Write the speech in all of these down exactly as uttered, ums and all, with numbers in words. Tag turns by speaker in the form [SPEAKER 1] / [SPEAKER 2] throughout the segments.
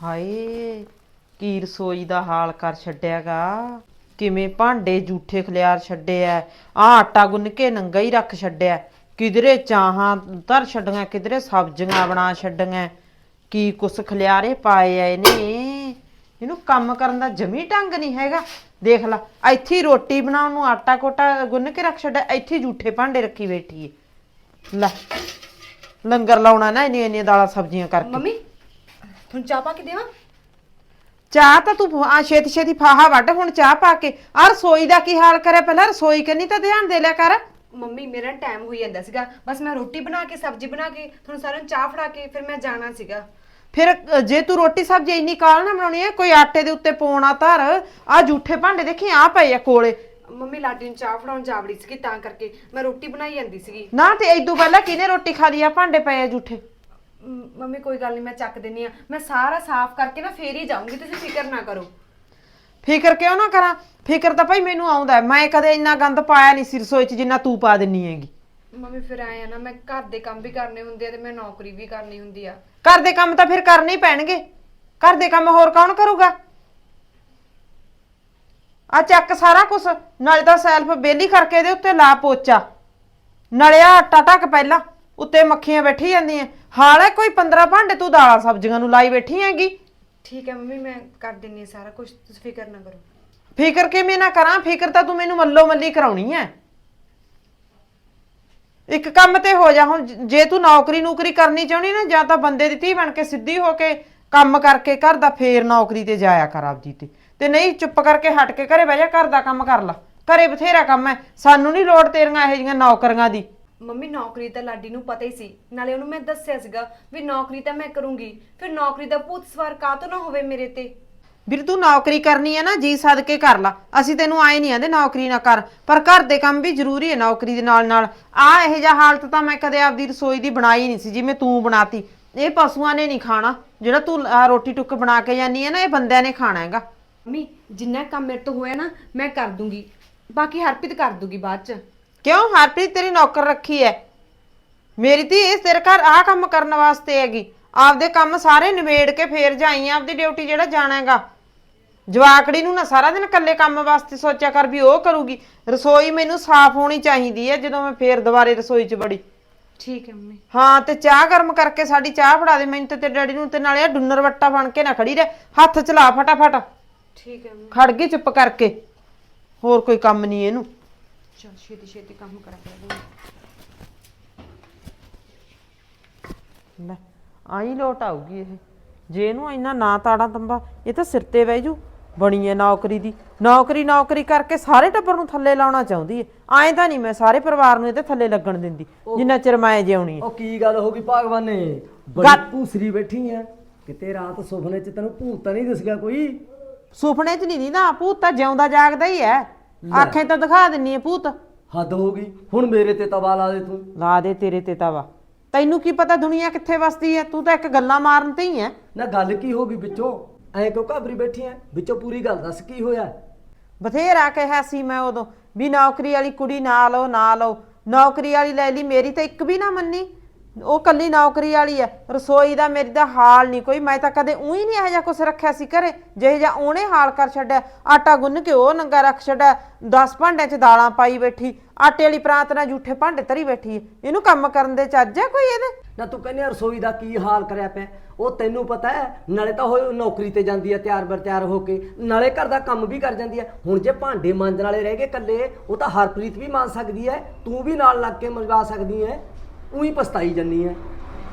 [SPEAKER 1] ਹਾਏ ਕੀ ਰਸੋਈ ਦਾ ਹਾਲ ਕਰ ਛੱਡਿਆਗਾ। ਕਿਵੇਂ ਭਾਂਡੇ ਜੂਠੇ ਖਲਿਆਰ ਛੱਡੇ ਆ। ਆ ਆਟਾ ਗੁੰਨ ਕੇ ਨੰਗਾ ਹੀ ਰੱਖ ਛੱਡਿਆ। ਕਿਧਰੇ ਚਾਹਾਂ ਧਰ ਛੱਡੀਆਂ, ਕਿਧਰੇ ਸਬਜ਼ੀਆਂ ਬਣਾ ਛੱਡੀਆਂ। ਕੀ ਕੁਛ ਖਲਿਆਰੇ ਪਾਏ ਆ ਇਹਨੇ। ਇਹਨੂੰ ਕੰਮ ਕਰਨ ਦਾ ਜਮੀ ਢੰਗ ਨਹੀਂ ਹੈਗਾ। ਦੇਖ ਲਾ ਇੱਥੇ ਰੋਟੀ ਬਣਾਉਣ ਨੂੰ ਆਟਾ ਕੋਟਾ ਗੁੰਨ ਕੇ ਰੱਖ ਛੱਡਿਆ, ਇੱਥੇ ਜੂਠੇ ਭਾਂਡੇ ਰੱਖੀ ਬੈਠੀ ਏ। ਲੈ ਲੰਗਰ ਲਾਉਣਾ ਨਾ ਇੰਨੀਆਂ ਇੰਨੀਆਂ ਦਾਲਾਂ ਸਬਜ਼ੀਆਂ ਕਰਕੇ।
[SPEAKER 2] ਮੰਮੀ ਤੁਹਾਨੂੰ ਚਾਹ ਪਾ ਕੇ ਦੇਵਾਂ?
[SPEAKER 1] ਚਾਹ ਤਾਂ ਤੂੰ ਆ ਛੇਤੀ ਛੇਤੀ ਫਾਹਾ ਵੱਢ ਹੁਣ ਚਾਹ ਪਾ ਕੇ। ਆ ਰਸੋਈ ਦਾ ਕੀ ਹਾਲ ਕਰਿਆ, ਪਹਿਲਾਂ ਰਸੋਈ ਕਰਨੀ ਤਾਂ ਧਿਆਨ ਦੇ ਲਿਆ ਕਰ।
[SPEAKER 2] ਮੰਮੀ ਮੇਰਾ ਟਾਈਮ ਹੋਈ ਜਾਂਦਾ ਸੀਗਾ, ਬਸ ਮੈਂ ਰੋਟੀ ਬਣਾ ਕੇ ਸਬਜ਼ੀ ਬਣਾ ਕੇ ਤੁਹਾਨੂੰ ਸਾਰਿਆਂ ਨੂੰ ਚਾਹ ਫੜਾ ਕੇ ਫਿਰ ਮੈਂ ਜਾਣਾ ਸੀਗਾ।
[SPEAKER 1] ਫਿਰ ਜੇ ਤੂੰ ਰੋਟੀ ਸਬਜ਼ੀ ਇੰਨੀ ਕਾਲ ਨਾ ਬਣਾਉਣੀ ਹੈ, ਕੋਈ ਆਟੇ ਦੇ ਉੱਤੇ ਪਾਉਣਾ ਧਰ। ਆ ਜੂਠੇ ਭਾਂਡੇ ਦੇਖੀ ਆ ਪਏ ਆ ਕੋਲੇ।
[SPEAKER 2] ਮੰਮੀ ਲਾਡੀ ਨੂੰ ਚਾਹ ਫੜਾਉਣ ਜਾਵੜੀ ਸੀਗੀ, ਤਾਂ ਕਰਕੇ ਮੈਂ ਰੋਟੀ ਬਣਾਈ ਜਾਂਦੀ ਸੀਗੀ
[SPEAKER 1] ਨਾ। ਤੇ ਇਦੋਂ ਪਹਿਲਾਂ ਕਿਹਨੇ ਰੋਟੀ ਖਾ ਲਈ ਆ? ਭਾਂਡੇ ਪਏ ਆ ਜੂਠੇ।
[SPEAKER 2] ਮੰਮੀ ਕੋਈ ਗੱਲ ਨਹੀਂ, ਮੈਂ ਚੱਕ ਦਿੰਨੀ ਆ। ਮੈਂ ਸਾਰਾ ਸਾਫ਼ ਕਰਕੇ ਨਾ ਫੇਰ ਹੀ ਜਾਊਂਗੀ, ਤੁਸੀਂ ਫਿਕਰ ਨਾ ਕਰੋ।
[SPEAKER 1] ਫਿਕਰ ਕਿਉਂ ਨਾ ਕਰਾਂ? ਫਿਕਰ ਤਾਂ ਭਾਈ ਮੈਨੂੰ ਆਉਂਦਾ। ਮੈਂ ਕਦੇ ਇੰਨਾ ਗੰਦ ਪਾਇਆ ਨਹੀਂ ਸੀ ਰਸੋਈ 'ਚ ਜਿੰਨਾ ਤੂੰ ਪਾ ਦਿੰਨੀ ਹੈਗੀ।
[SPEAKER 2] ਮੰਮੀ ਫਿਰ ਆਏ ਆ ਨਾ, ਮੈਂ ਘਰ ਦੇ ਕੰਮ ਵੀ ਕਰਨੇ ਹੁੰਦੇ ਆ ਤੇ ਮੈਂ ਨੌਕਰੀ ਵੀ ਕਰਨੀ ਹੁੰਦੀ ਆ।
[SPEAKER 1] ਘਰ ਦੇ ਕੰਮ ਤਾਂ ਫਿਰ ਕਰਨੇ ਹੀ ਪੈਣਗੇ। ਘਰ ਦੇ ਕੰਮ ਹੋਰ ਕੌਣ ਕਰੂਗਾ? ਆ ਚੱਕ ਸਾਰਾ ਕੁਛ, ਨਾਲੇ ਤਾਂ ਸੈਲਫ ਬੇਲੀ ਕਰਕੇ ਇਹਦੇ ਉੱਤੇ ਲਾ ਪੋਚਾ, ਨਾਲੇ ਆ ਆਟਾ ਢੱਕ ਪਹਿਲਾਂ, ਉੱਤੇ ਮੱਖੀਆਂ ਬੈਠੀ ਜਾਂਦੀਆਂ। ਹਾਲ ਹੈ ਕੋਈ ਪੰਦਰਾਂ ਭਾਂਡੇ ਤੂੰ ਦਾਲਾਂ ਸਬਜ਼ੀਆਂ ਨੂੰ ਲਾਈ ਬੈਠੀ ਹੈਗੀ।
[SPEAKER 2] ਠੀਕ ਹੈ ਮੰਮੀ, ਮੈਂ ਕਰ ਦਿੰਨੀ ਆ ਸਾਰਾ ਕੁਝ, ਤੁਸੀਂ ਫਿਕਰ ਨਾ ਕਰੋ।
[SPEAKER 1] ਫਿਕਰ ਕਿਵੇਂ ਨਾ ਕਰਾਂ? ਫਿਕਰ ਤਾਂ ਤੂੰ ਮੈਨੂੰ ਮੱਲੋ ਮੱਲੀ ਕਰਾਉਣੀ ਐ। ਇੱਕ ਕੰਮ ਤੇ ਹੋ ਜਾ ਹੁਣ। ਜੇ ਤੂੰ ਨੌਕਰੀ ਨੂਕਰੀ ਕਰਨੀ ਚਾਹੁੰਦੀ ਨਾ, ਜਾਂ ਤਾਂ ਬੰਦੇ ਦੀ ਧੀ ਬਣ ਕੇ ਸਿੱਧੀ ਹੋ ਕੇ ਕੰਮ ਕਰਕੇ ਘਰ ਦਾ, ਫੇਰ ਨੌਕਰੀ ਤੇ ਜਾਇਆ ਕਰ ਆਪਦੀ ਤੇ। ਤੇ ਨਹੀਂ ਚੁੱਪ ਕਰਕੇ ਹਟ ਕੇ ਘਰੇ ਬਹਿ ਜਾ, ਘਰ ਦਾ ਕੰਮ ਕਰ ਲਾ। ਘਰੇ ਬਥੇਰਾ ਕੰਮ ਐ, ਸਾਨੂੰ ਨਹੀਂ ਲੋੜ ਤੇਰੀਆਂ ਇਹੋ ਜਿਹੀਆਂ ਨੌਕਰੀਆਂ ਦੀ।
[SPEAKER 2] ਮੰਮੀ ਨੌਕਰੀ ਤਾਂ ਲਾਡੀ ਨੂੰ ਪਤਾ ਹੀ ਸੀ, ਨਾਲੇ ਉਹਨੂੰ ਮੈਂ ਦੱਸਿਆ ਸੀਗਾ ਵੀ ਨੌਕਰੀ ਤਾਂ ਮੈਂ ਕਰੂੰਗੀ। ਫਿਰ ਨੌਕਰੀ ਦਾ ਭੂਤ ਸਵਾਰ ਕਾਹਤੋਂ ਨਾ ਹੋਵੇ ਮੇਰੇ ਤੇ।
[SPEAKER 1] ਵੀਰ ਤੂੰ ਨੌਕਰੀ ਕਰਨੀ ਹੈ ਨਾ, ਜੀ ਸਦ ਕੇ ਕਰ ਲਾ। ਅਸੀਂ ਤੈਨੂੰ ਆਏ ਨਹੀਂ ਆਂਦੇ ਨੌਕਰੀ ਨਾ ਕਰ, ਪਰ ਘਰ ਦੇ ਕੰਮ ਵੀ ਜ਼ਰੂਰੀ ਹੈ ਨੌਕਰੀ ਦੇ ਨਾਲ ਨਾਲ। ਆ ਇਹੋ ਜਿਹਾ ਹਾਲਤ ਤਾਂ ਮੈਂ ਕਦੇ ਆਪਦੀ ਰਸੋਈ ਦੀ ਬਣਾਈ ਨਹੀਂ ਸੀ ਜਿਵੇਂ ਤੂੰ ਬਣਾਤੀ। ਇਹ ਪਸ਼ੂਆਂ ਨੇ ਨਹੀਂ ਖਾਣਾ ਜਿਹੜਾ ਤੂੰ ਰੋਟੀ ਟੁੱਕ ਬਣਾ ਕੇ ਜਾਨੀ ਹੈ ਨਾ, ਇਹ ਬੰਦਿਆਂ ਨੇ ਖਾਣਾ ਹੈਗਾ।
[SPEAKER 2] ਮੰਮੀ ਜਿੰਨਾ ਕੰਮ ਮੇਰੇ ਤੋਂ ਹੋਇਆ ਨਾ ਮੈਂ ਕਰ ਦੂੰਗੀ, ਬਾਕੀ ਹਰਪ੍ਰੀਤ ਕਰ ਦੂਗੀ ਬਾਅਦ ਚ।
[SPEAKER 1] ਕਿਉਂ? ਹਰਪ੍ਰੀਤ ਤੇਰੀ ਨੌਕਰ ਰੱਖੀ ਹੈ? ਮੇਰੀ ਧੀ ਇਸ ਤੇਰੇ ਘਰ ਆਹ ਕੰਮ ਕਰਨ ਵਾਸਤੇ ਹੈਗੀ। ਆਪਦੇ ਕੰਮ ਸਾਰੇ ਨਿਬੇੜ ਕੇ ਫੇਰ ਜਾਈ ਆਪਦੀ ਡਿਊਟੀ ਜਿਹੜਾ ਜਾਣਾ ਹੈਗਾ। ਜਵਾਕੜੀ ਨੂੰ ਨਾ ਸਾਰਾ ਦਿਨ ਇਕੱਲੇ ਕੰਮ ਵਾਸਤੇ ਸੋਚਿਆ ਕਰ ਵੀ ਉਹ ਕਰੂਗੀ। ਰਸੋਈ ਮੈਨੂੰ ਸਾਫ਼ ਹੋਣੀ ਚਾਹੀਦੀ ਹੈ ਜਦੋਂ ਮੈਂ ਫੇਰ ਦੁਬਾਰੇ ਰਸੋਈ 'ਚ ਵੜੀ।
[SPEAKER 2] ਠੀਕ ਹੈ ਮੰਮੀ।
[SPEAKER 1] ਹਾਂ ਤੇ ਚਾਹ ਗਰਮ ਕਰਕੇ ਸਾਡੀ ਚਾਹ ਫੜਾ ਦੇ ਮੈਨੂੰ ਤੇ ਤੇਰੇ ਡੈਡੀ ਨੂੰ। ਤੇ ਨਾਲੇ ਆ ਡੁੰਨਰ ਵੱਟਾ ਬਣ ਕੇ ਨਾ ਖੜੀ ਰਹਿ, ਹੱਥ ਚਲਾ ਫਟਾਫਟ।
[SPEAKER 2] ਠੀਕ ਹੈ ਮੰਮੀ।
[SPEAKER 1] ਖੜ ਗਈ ਚੁੱਪ ਕਰਕੇ, ਹੋਰ ਕੋਈ ਕੰਮ ਨਹੀਂ ਇਹਨੂੰ।
[SPEAKER 2] ਚਲ ਛੇਤੀ ਛੇਤੀ ਕੰਮ ਕਰਾ ਦੇ।
[SPEAKER 1] ਲੈ ਆਈ ਲੋਟ ਆਊਗੀ ਇਹ। ਜੇ ਇਹਨੂੰ ਇੰਨਾ ਨਾ ਤਾੜਾ ਤੰਬਾ, ਇਹ ਤਾਂ ਸਿਰ ਤੇ ਬਹਿ ਜੂ। ਬਣੀ ਹੈ ਨੌਕਰੀ ਦੀ, ਨੌਕਰੀ ਨੌਕਰੀ ਕਰਕੇ ਸਾਰੇ ਟੱਬਰ ਨੂੰ ਥੱਲੇ ਲਾਉਣਾ ਚਾਹੁੰਦੀ ਹੈ। ਐਂ ਤਾਂ ਨਹੀਂ ਮੈਂ ਸਾਰੇ ਪਰਿਵਾਰ ਨੂੰ ਇਹਦੇ ਥੱਲੇ ਲੱਗਣ ਦਿੰਦੀ ਜਿੰਨਾ ਚਿਰ ਮੈਂ ਜਿਉਣੀ ਹੈ।
[SPEAKER 3] ਉਹ ਕੀ ਗੱਲ ਹੋ ਗਈ ਭਗਵਾਨੇ? ਬੜੀ ਭੂਸਰੀ ਬੈਠੀ ਐ ਕਿਤੇ। ਰਾਤ ਸੁਪਨੇ 'ਚ ਤੈਨੂੰ ਭੂਤ ਤਾਂ ਨਹੀਂ ਦਿਸ ਗਿਆ ਕੋਈ?
[SPEAKER 1] ਸੁਪਨੇ 'ਚ ਨਹੀਂ ਦੀਦਾ ਭੂਤ, ਤਾਂ ਜਿਉਂਦਾ ਜਾਗਦਾ ਹੀ ਹੈ। ਆਖੇ ਤਾਂ ਦਿਖਾ ਦਿੰਨੀ ਹੈ ਭੂਤ।
[SPEAKER 3] ਹੱਦ ਹੋ ਗਈ, ਹੁਣ ਮੇਰੇ ਤੇ ਤਵਾ ਲਾ ਦੇ ਤੂੰ।
[SPEAKER 1] ਲਾ ਦੇ ਤੇਰੇ ਤੇ ਤਵਾ। ਤੈਨੂੰ ਕੀ ਪਤਾ ਦੁਨੀਆ ਕਿੱਥੇ ਵਸਦੀ ਹੈ? ਤੂੰ ਤਾਂ ਇੱਕ ਗੱਲਾਂ ਮਾਰਨ ਤੇ ਹੀ ਹੈ।
[SPEAKER 3] ਨਾ ਗੱਲ ਕੀ ਹੋ ਗਈ ਵਿੱਚੋਂ? ਐਂ ਕਿਉਂ ਘਾਬਰੀ ਬੈਠੀ ਐ? ਵਿੱਚੋਂ ਪੂਰੀ ਗੱਲ ਦੱਸ ਕੀ ਹੋਇਆ?
[SPEAKER 1] ਬਥੇਰਾ ਕਿਹਾ ਸੀ ਮੈਂ ਉਦੋਂ ਵੀ ਨੌਕਰੀ ਵਾਲੀ ਕੁੜੀ ਨਾ ਲਓ ਨਾ ਲਓ। ਨੌਕਰੀ ਵਾਲੀ ਲੈ ਲਈ, ਮੇਰੀ ਤਾਂ ਇੱਕ ਵੀ ਨਾ ਮੰਨੀ। ਉਹ ਕੱਲੀ ਨੌਕਰੀ ਵਾਲੀ ਹੈ। ਰਸੋਈ ਦਾ ਮੇਰੀ ਦਾ ਹਾਲ ਨਹੀਂ ਕੋਈ। ਮੈਂ ਤਾਂ ਕਦੇ ਊਂ ਨਹੀਂ ਇਹੋ ਜਿਹਾ ਕੁਛ ਰੱਖਿਆ ਸੀ ਘਰੇ ਜਿਹੋ ਜਿਹਾ ਉਹਨੇ ਹਾਲ ਕਰ ਛੱਡਿਆ। ਆਟਾ ਗੁੰਨ ਕੇ ਉਹ ਨੰਗਾ ਰੱਖ ਛੱਡਿਆ, ਦਸ ਭਾਂਡਿਆਂ 'ਚ ਦਾਲਾਂ ਪਾਈ ਬੈਠੀ, ਆਟੇ ਵਾਲੀ ਪ੍ਰਾਂਤ ਨਾਲ ਜੂਠੇ ਭਾਂਡੇ ਧਰੀ ਬੈਠੀ ਹੈ। ਇਹਨੂੰ ਕੰਮ ਕਰਨ ਦੇ ਚੱਜ ਹੈ ਕੋਈ ਇਹਦੇ?
[SPEAKER 3] ਨਾ ਤੂੰ ਕਹਿੰਦੀ ਰਸੋਈ ਦਾ ਕੀ ਹਾਲ ਕਰਿਆ ਪਿਆ, ਉਹ ਤੈਨੂੰ ਪਤਾ ਹੈ। ਨਾਲੇ ਤਾਂ ਉਹ ਨੌਕਰੀ ਤੇ ਜਾਂਦੀ ਹੈ ਤਿਆਰ ਬਰ ਤਿਆਰ ਹੋ ਕੇ, ਨਾਲੇ ਘਰ ਦਾ ਕੰਮ ਵੀ ਕਰ ਜਾਂਦੀ ਹੈ। ਹੁਣ ਜੇ ਭਾਂਡੇ ਮਾਂਜਣ ਵਾਲੇ ਰਹਿ ਗਏ ਇਕੱਲੇ, ਉਹ ਤਾਂ ਹਰਪ੍ਰੀਤ ਵੀ ਮਾਂਜ ਸਕਦੀ ਹੈ, ਤੂੰ ਵੀ ਨਾਲ ਲੱਗ ਕੇ ਮੰਜਵਾ ਸਕਦੀ ਹੈ। ਉਹੀ ਪਛਤਾਈ ਜੰਨੀ ਹੈ।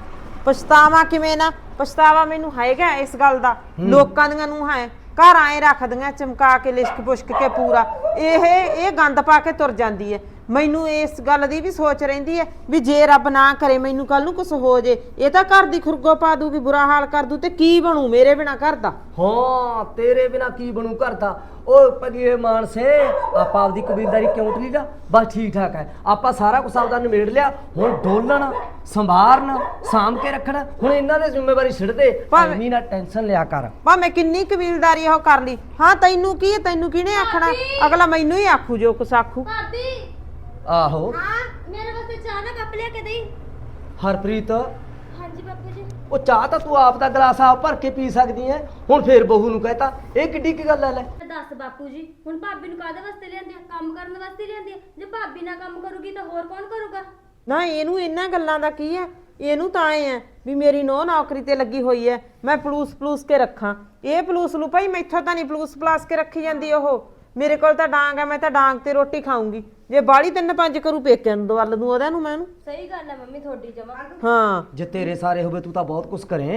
[SPEAKER 1] ਪਛਤਾਵਾ ਕਿਵੇਂ ਨਾ? ਪਛਤਾਵਾ ਮੈਨੂੰ ਹੈਗਾ ਇਸ ਗੱਲ ਦਾ। ਲੋਕਾਂ ਦੀਆਂ ਨੂੰਹਾਂ ਹੈ ਘਰ ਆਏ ਰੱਖਦੀਆਂ ਚਮਕਾ ਕੇ, ਲਿਸ਼ਕ ਪੁਸ਼ਕ ਕੇ ਪੂਰਾ। ਇਹ ਇਹ ਗੰਦ ਪਾ ਕੇ ਤੁਰ ਜਾਂਦੀ ਹੈ। ਮੈਨੂੰ ਇਸ ਗੱਲ ਦੀ ਵੀ ਸੋਚ ਰਹਿੰਦੀ ਹੈ ਵੀ ਜੇ ਰੱਬ ਨਾ ਕਰੇ ਮੈਨੂੰ ਕੱਲ ਨੂੰ ਕੁਛ ਹੋ ਜੇ, ਇਹ ਤਾਂ ਘਰ ਦੀ ਖੁਰਗੋ ਪਾ ਦੂਗੀ, ਬੁਰਾ ਹਾਲ ਕਰ ਦੂ। ਤੇ ਕੀ ਬਣੂ ਮੇਰੇ ਬਿਨਾ ਘਰ ਦਾ?
[SPEAKER 3] ਹਾਂ ਤੇਰੇ ਬਿਨਾ ਕੀ ਬਣੂ ਘਰ ਦਾ? ਉਹ ਪਗੀਏ ਮਾਨਸੇ, ਆਪਾਂ ਆਪਦੀ ਕਬੀਲਦਾਰੀ ਕਿਉਂ ਟਲੀ ਦਾ? ਬਸ ਠੀਕ ਠਾਕ ਹੈ। ਆਪਾਂ ਸਾਰਾ ਕੁਛ ਆਪਦਾ ਨਿਬੇੜ ਲਿਆ। ਹੁਣ ਡੋਲਣ, ਸੰਭਾਰਨ, ਸਾਂਭ ਕੇ ਰੱਖਣਾ, ਹੁਣ ਇਹਨਾਂ ਦੀ ਜ਼ਿੰਮੇਵਾਰੀ ਛੱਡ ਦੇ। ਐਵੇਂ ਨਾ ਟੈਨਸ਼ਨ ਲਿਆ ਕਰ।
[SPEAKER 1] ਭਾਵੇਂ ਕਿੰਨੀ ਕਬੀਲਦਾਰੀ ਉਹ ਕਰ ਲਈ। ਹਾਂ ਤੈਨੂੰ ਕੀ ਹੈ? ਤੈਨੂੰ ਕਿਹਨੇ ਆਖਣਾ? ਅਗਲਾ ਮੈਨੂੰ ਹੀ ਆਖੂ ਜੋ ਕੁਛ ਆਖੂ।
[SPEAKER 3] ਆਹੋ
[SPEAKER 4] ਹਾਂ ਮੇਰੇ ਵਾਸਤੇ ਚਾਹ ਦਾ ਕੱਪ ਲਿਆ ਕੇ ਦੇਈ।
[SPEAKER 3] ਹਰਪ੍ਰੀਤ,
[SPEAKER 4] ਹਾਂਜੀ ਬਾਪੂ ਜੀ।
[SPEAKER 3] ਉਹ ਚਾਹ ਤਾਂ ਤੂੰ ਆਪ ਦਾ ਗਲਾਸ ਆਪ ਭਰ ਕੇ ਪੀ ਸਕਦੀ ਐ, ਹੁਣ ਫੇਰ ਬਹੂ ਨੂੰ ਕਹਤਾ, ਇਹ ਕਿੱਡੀ ਕੀ ਗੱਲ ਐ ਲੈ।
[SPEAKER 4] ਦੱਸ ਬਾਪੂ ਜੀ, ਹੁਣ ਭਾਬੀ ਨੂੰ ਕਾਹਦੇ ਵਾਸਤੇ ਲਿਆਂਦੀ ਆ? ਕੰਮ ਕਰਨ ਵਾਸਤੇ ਲਿਆਂਦੀ ਆ। ਜੇ ਭਾਬੀ ਨਾ ਕੰਮ ਕਰੂਗੀ ਤਾਂ ਹੋਰ ਕੌਣ ਕਰੂਗਾ?
[SPEAKER 1] ਨਾ ਇਹਨੂੰ ਇਹਨਾਂ ਗੱਲਾਂ ਦਾ ਕੀ ਹੈ, ਇਹਨੂੰ ਤਾਂ ਐ ਹੈ ਵੀ ਮੇਰੀ ਨੌ ਨੌਕਰੀ ਤੇ ਲੱਗੀ ਹੋਈ ਹੈ, ਮੈਂ ਪਲੂਸ ਪਲੂਸ ਕੇ ਰੱਖਾਂ। ਇਹ ਪਲੂਸ ਨੂੰ ਭਾਈ ਮੈਥੋਂ ਤਾਂ ਨਹੀਂ ਪਲੂਸ ਪਲਾਸ ਕੇ ਰੱਖੀ ਜਾਂਦੀ। ਉਹ ਮੇਰੇ ਕੋਲ ਤਾਂ ਡਾਂਗ ਹੈ, ਮੈਂ ਤਾਂ ਡਾਂਗ ਤੇ ਰੋਟੀ ਖਾਊਂਗੀ। ਜੇ ਬਾਲੀ ਤਿੰਨ ਪੰਜ ਕਰੂ ਪੇਕਿਆਂ ਨੂੰ ਦਵਲ ਦੂੰ ਉਹਦੇ ਨੂੰ ਮੈਂ ਉਹਨੂੰ।
[SPEAKER 4] ਸਹੀ ਗੱਲ ਹੈ ਮੰਮੀ ਤੁਹਾਡੀ ਜਮਾ।
[SPEAKER 1] ਹਾਂ
[SPEAKER 3] ਜੇ ਤੇਰੇ ਸਾਰੇ ਹੋਵੇ ਤੂੰ ਤਾਂ ਬਹੁਤ ਕੁਛ ਕਰੇ।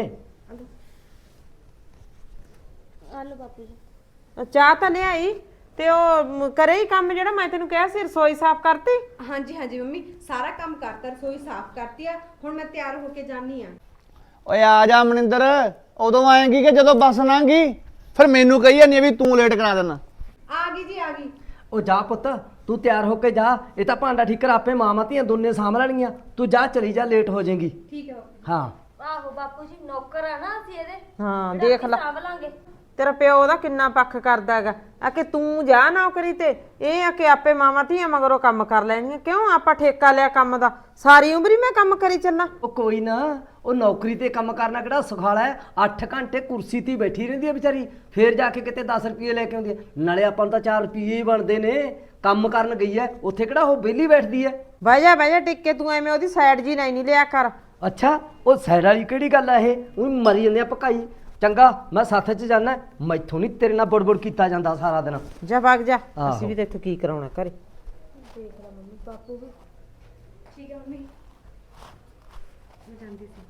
[SPEAKER 4] ਆ ਲਓ ਬਾਪੂ ਜੀ।
[SPEAKER 1] ਚਾਹ ਤਾਂ ਲਿਆਈ ਤੇ ਉਹ ਮ, ਕਰੇ ਹੀ ਕੰਮ ਜਿਹੜਾ ਮੈਂ ਤੈਨੂੰ ਕਿਹਾ ਸੀ, ਰਸੋਈ ਸਾਫ਼ ਕਰਤੀ।
[SPEAKER 2] ਹਾਂਜੀ ਹਾਂਜੀ ਮੰਮੀ, ਸਾਰਾ ਕੰਮ ਕਰਤਾ, ਰਸੋਈ ਸਾਫ਼ ਕਰਤੀ ਆ। ਹੁਣ ਮੈਂ ਤਿਆਰ ਹੋ ਕੇ ਜਾਨੀ ਆ।
[SPEAKER 5] ਓਏ ਆ ਜਾ ਮਨਿੰਦਰ, ਉਦੋਂ ਆਏਂਗੀ ਕਿ ਜਦੋਂ ਬੱਸ ਲੰਘੀ? ਫਿਰ ਮੈਨੂੰ ਕਹੀ ਜਾਂਦੀ ਆ ਵੀ ਤੂੰ ਲੇਟ ਕਰਾ ਦੇਣਾ।
[SPEAKER 2] ਆ ਗਈ ਜੀ, ਆ ਗਈ।
[SPEAKER 3] ਉਹ ਜਾ ਪੁੱਤ, ਤੂੰ ਤਿਆਰ ਹੋ ਕੇ ਜਾ, ਇਹ ਤਾਂ ਭਾਂਡਾ ਠੀਕਰ ਆਪੇ ਮਾਵਾਂ ਧੀਆਂ ਦੋਨੇ ਸਾਂਭ ਲੈਣਗੀਆਂ। ਤੂੰ ਜਾ, ਚਲੀ ਜਾ, ਲੇਟ ਹੋ ਜਾਏਗੀ।
[SPEAKER 2] ਠੀਕ ਹੈ ਬਾਪੂ।
[SPEAKER 3] ਹਾਂ
[SPEAKER 4] ਆਹੋ ਬਾਪੂ ਜੀ, ਨੌਕਰ ਆ ਨਾ ਅਸੀਂ ਇਹਦੇ।
[SPEAKER 1] ਹਾਂ
[SPEAKER 4] ਫਿਰ
[SPEAKER 1] ਦੇਖ
[SPEAKER 4] ਆਪੇ
[SPEAKER 1] ਲੈ
[SPEAKER 4] ਸਾਂਭ ਲਾਂਗੇ।
[SPEAKER 1] ਤੇਰਾ ਪਿਓ ਦਾ ਕਿੰਨਾ ਪੱਖ ਕਰਦਾ ਹੈਗਾ, ਆ ਕਿ ਤੂੰ ਜਾ ਨੌਕਰੀ ਤੇ, ਇਹ ਆ ਕਿ ਆਪੇ ਮਾਵਾਂ ਧੀਆਂ ਮਗਰੋਂ ਕੰਮ ਕਰ ਲੈਣਗੀਆਂ। ਕਿਉਂ ਆਪਾਂ ਠੇਕਾ ਲਿਆ ਕੰਮ ਦਾ? ਸਾਰੀ ਉਮਰ ਹੀ ਮੈਂ ਕੰਮ ਕਰੀ ਚੱਲਾਂ।
[SPEAKER 3] ਉਹ ਕੋਈ ਨਾ, ਉਹ ਨੌਕਰੀ ਤੇ ਕੰਮ ਕਰਨਾ ਕਿਹੜਾ ਸੁਖਾਲਾ ਹੈ? ਅੱਠ ਘੰਟੇ ਕੁਰਸੀ ਤੇ ਹੀ ਬੈਠੀ ਰਹਿੰਦੀ ਹੈ ਵਿਚਾਰੀ, ਫੇਰ ਜਾ ਕੇ ਕਿਤੇ ਦਸ ਰੁਪਏ ਲੈ ਕੇ ਆਉਂਦੀ ਹੈ। ਨਾਲੇ ਆਪਾਂ ਨੂੰ ਤਾਂ ਚਾਰ ਰੁਪਏ ਹੀ ਬਣਦੇ ਨੇ। ਕੰਮ ਕਰਨ ਗਈ ਹੈ, ਉੱਥੇ ਕਿਹੜਾ ਉਹ ਵਿਹਲੀ ਬੈਠਦੀ ਹੈ?
[SPEAKER 1] ਬਹਿ ਜਾ ਬਹਿ ਜਾ ਟਿੱਕੇ, ਤੂੰ ਐਵੇਂ ਉਹਦੀ ਸਾਈਡ ਜੀ ਨਹੀਂ ਨਹੀਂ ਲਿਆ ਕਰ।
[SPEAKER 3] ਅੱਛਾ, ਉਹ ਸਾਈਡ ਵਾਲੀ ਕਿਹੜੀ ਗੱਲ ਆ? ਇਹ ਉਹ ਮਰੀ ਜਾਂਦੇ ਆ ਭਕਾਈ। ਚੰਗਾ, ਮੈਂ ਸੱਥ 'ਚ ਜਾਣਾ, ਮੈਥੋਂ ਨਹੀਂ ਤੇਰੇ ਨਾਲ ਬੜਬੜ ਕੀਤਾ ਜਾਂਦਾ ਸਾਰਾ ਦਿਨ।
[SPEAKER 1] ਜਾ ਵਗ ਜਾ,
[SPEAKER 3] ਆਹੋ।
[SPEAKER 1] ਅਸੀਂ ਵੀ ਤੇ ਇੱਥੋਂ ਕੀ ਕਰਾਉਣਾ ਘਰੇ।
[SPEAKER 4] ਦੇਖ ਲੈ ਮੰਮੀ, ਬਾਪੂ ਵੀ
[SPEAKER 2] ਠੀਕ ਹੈ ਮੰਮੀ, ਮੈਂ ਜਾਂਦੀ ਸੀ।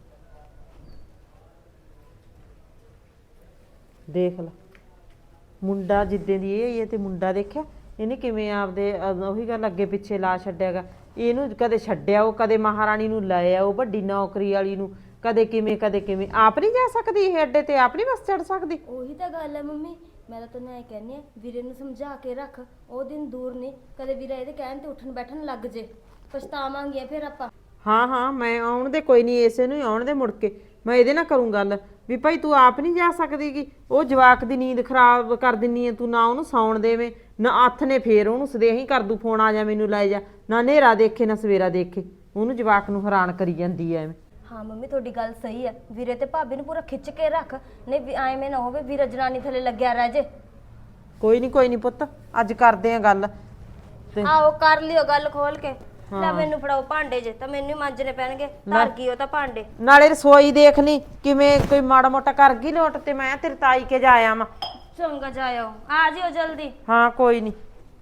[SPEAKER 1] ਦੇਖ ਲੈ ਮੁੰਡਾ ਜਿੱਦਾਂ ਦੀ ਇਹ ਹੈ ਤੇ ਮੁੰਡਾ ਦੇਖਿਆ ਇਹਨੇ ਕਿਵੇਂ ਆਪਦੇ ਅਹ ਉਹੀ ਗੱਲ ਅੱਗੇ ਪਿੱਛੇ ਲਾ ਛੱਡਿਆਗਾ। ਇਹਨੂੰ ਕਦੇ ਛੱਡਿਆ ਉਹ, ਕਦੇ ਮਹਾਰਾਣੀ ਨੂੰ ਲਾਇਆ ਉਹ ਵੱਡੀ ਨੌਕਰੀ ਵਾਲੀ ਨੂੰ, ਕਦੇ ਕਿਵੇਂ ਕਦੇ ਕਿਵੇਂ। ਆਪ ਨਹੀਂ ਜਾ ਸਕਦੀ ਇਹ ਅੱਡੇ ਤੇ, ਆਪ ਨਹੀਂ ਬਸ ਚੜ ਸਕਦੀ।
[SPEAKER 4] ਉਹੀ ਤਾਂ ਗੱਲ ਹੈ ਮੰਮੀ, ਮੈਂ ਤਾਂ ਤੈਨੂੰ ਐ ਕਹਿੰਦੀ ਆ, ਵੀਰੇ ਨੂੰ ਸਮਝਾ ਕੇ ਰੱਖ। ਉਹ ਦਿਨ ਦੂਰ ਨਹੀਂ, ਕਦੇ ਵੀਰਾ ਇਹਦੇ ਕਹਿਣ ਤੇ ਉੱਠਣ ਬੈਠਣ ਲੱਗ ਜੇ, ਪਛਤਾਵਾਂਗੇ ਫਿਰ ਆਪਾਂ।
[SPEAKER 1] ਹਾਂ ਹਾਂ ਮੈਂ ਆਉਣ ਦੇ, ਕੋਈ ਨਹੀਂ ਇਸੇ ਨੂੰ ਹੀ ਆਉਣ ਦੇ ਮੁੜ ਕੇ। ਮੈਂ ਇਹਦੇ ਨਾਲ ਕਰੂੰ ਗੱਲ ਵੀ ਭਾਈ ਤੂੰ ਆਪ ਨਹੀਂ ਜਾ ਸਕਦੀਗੀ। ਉਹ ਜਵਾਕ ਦੀ ਨੀਂਦ ਖਰਾਬ ਕਰ ਦਿੰਨੀ ਹੈ ਤੂੰ, ਨਾ ਉਹਨੂੰ ਸੌਣ ਦੇਵੇਂ ਨਾ ਹੱਥ ਨੇ, ਫੇਰ ਉਹਨੂੰ ਸਦੇਹੀ ਕਰ ਦੂ ਫੋਨ, ਆ ਜਾ ਮੈਨੂੰ ਲੈ ਜਾ, ਨਾ ਹਨੇਰਾ ਦੇਖੇ ਨਾ ਸਵੇਰਾ ਦੇਖੇ। ਉਹਨੂੰ ਜਵਾਕ ਨੂੰ ਹੈਰਾਨ ਕਰੀ ਜਾਂਦੀ ਐ ਐਵੇਂ।
[SPEAKER 4] ਹਾਂ ਮੰਮੀ ਤੁਹਾਡੀ ਗੱਲ ਸਹੀ ਹੈ, ਵੀਰੇ ਤੇ ਭਾਬੀ ਨੂੰ ਪੂਰਾ ਖਿੱਚ ਕੇ ਰੱਖ, ਨਹੀਂ ਐਵੇਂ ਨਾ ਹੋਵੇ ਵੀਰਾ ਜਨਾਨੀ ਥੱਲੇ ਲੱਗਿਆ ਰਹਿ ਜੇ।
[SPEAKER 1] ਕੋਈ ਨਹੀਂ ਕੋਈ ਨਹੀਂ ਪੁੱਤ, ਅੱਜ ਕਰਦੇ ਆ ਗੱਲ ਤੇ
[SPEAKER 4] ਆਓ ਕਰ ਲਿਓ ਗੱਲ ਖੋਲ ਕੇ। ਲੈ ਮੈਨੂੰ ਫੜਾਓ ਭਾਂਡੇ ਜੇ, ਤਾਂ ਮੈਨੂੰ ਹੀ ਮਾਂਜਣੇ ਪੈਣਗੇ। ਧਰ ਗਈ ਉਹ ਤਾਂ ਭਾਂਡੇ।
[SPEAKER 1] ਨਾਲੇ ਰਸੋਈ ਦੇਖ ਲਈ ਕਿਵੇਂ ਕੋਈ ਮਾੜਾ ਮੋਟਾ ਕਰ ਗਈ ਲੋਟ, ਤੇ ਮੈਂ ਤੇਰੇ ਤਾਈ ਕੇ ਜਾ ਆਵਾਂ।
[SPEAKER 4] ਚੰਗਾ ਜਾਇਓ, ਆ ਜਿਓ ਜਲਦੀ।
[SPEAKER 1] ਹਾਂ ਕੋਈ ਨਹੀਂ।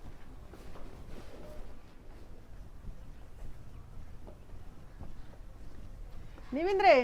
[SPEAKER 6] ਨਿਵਿੰਦਰੇ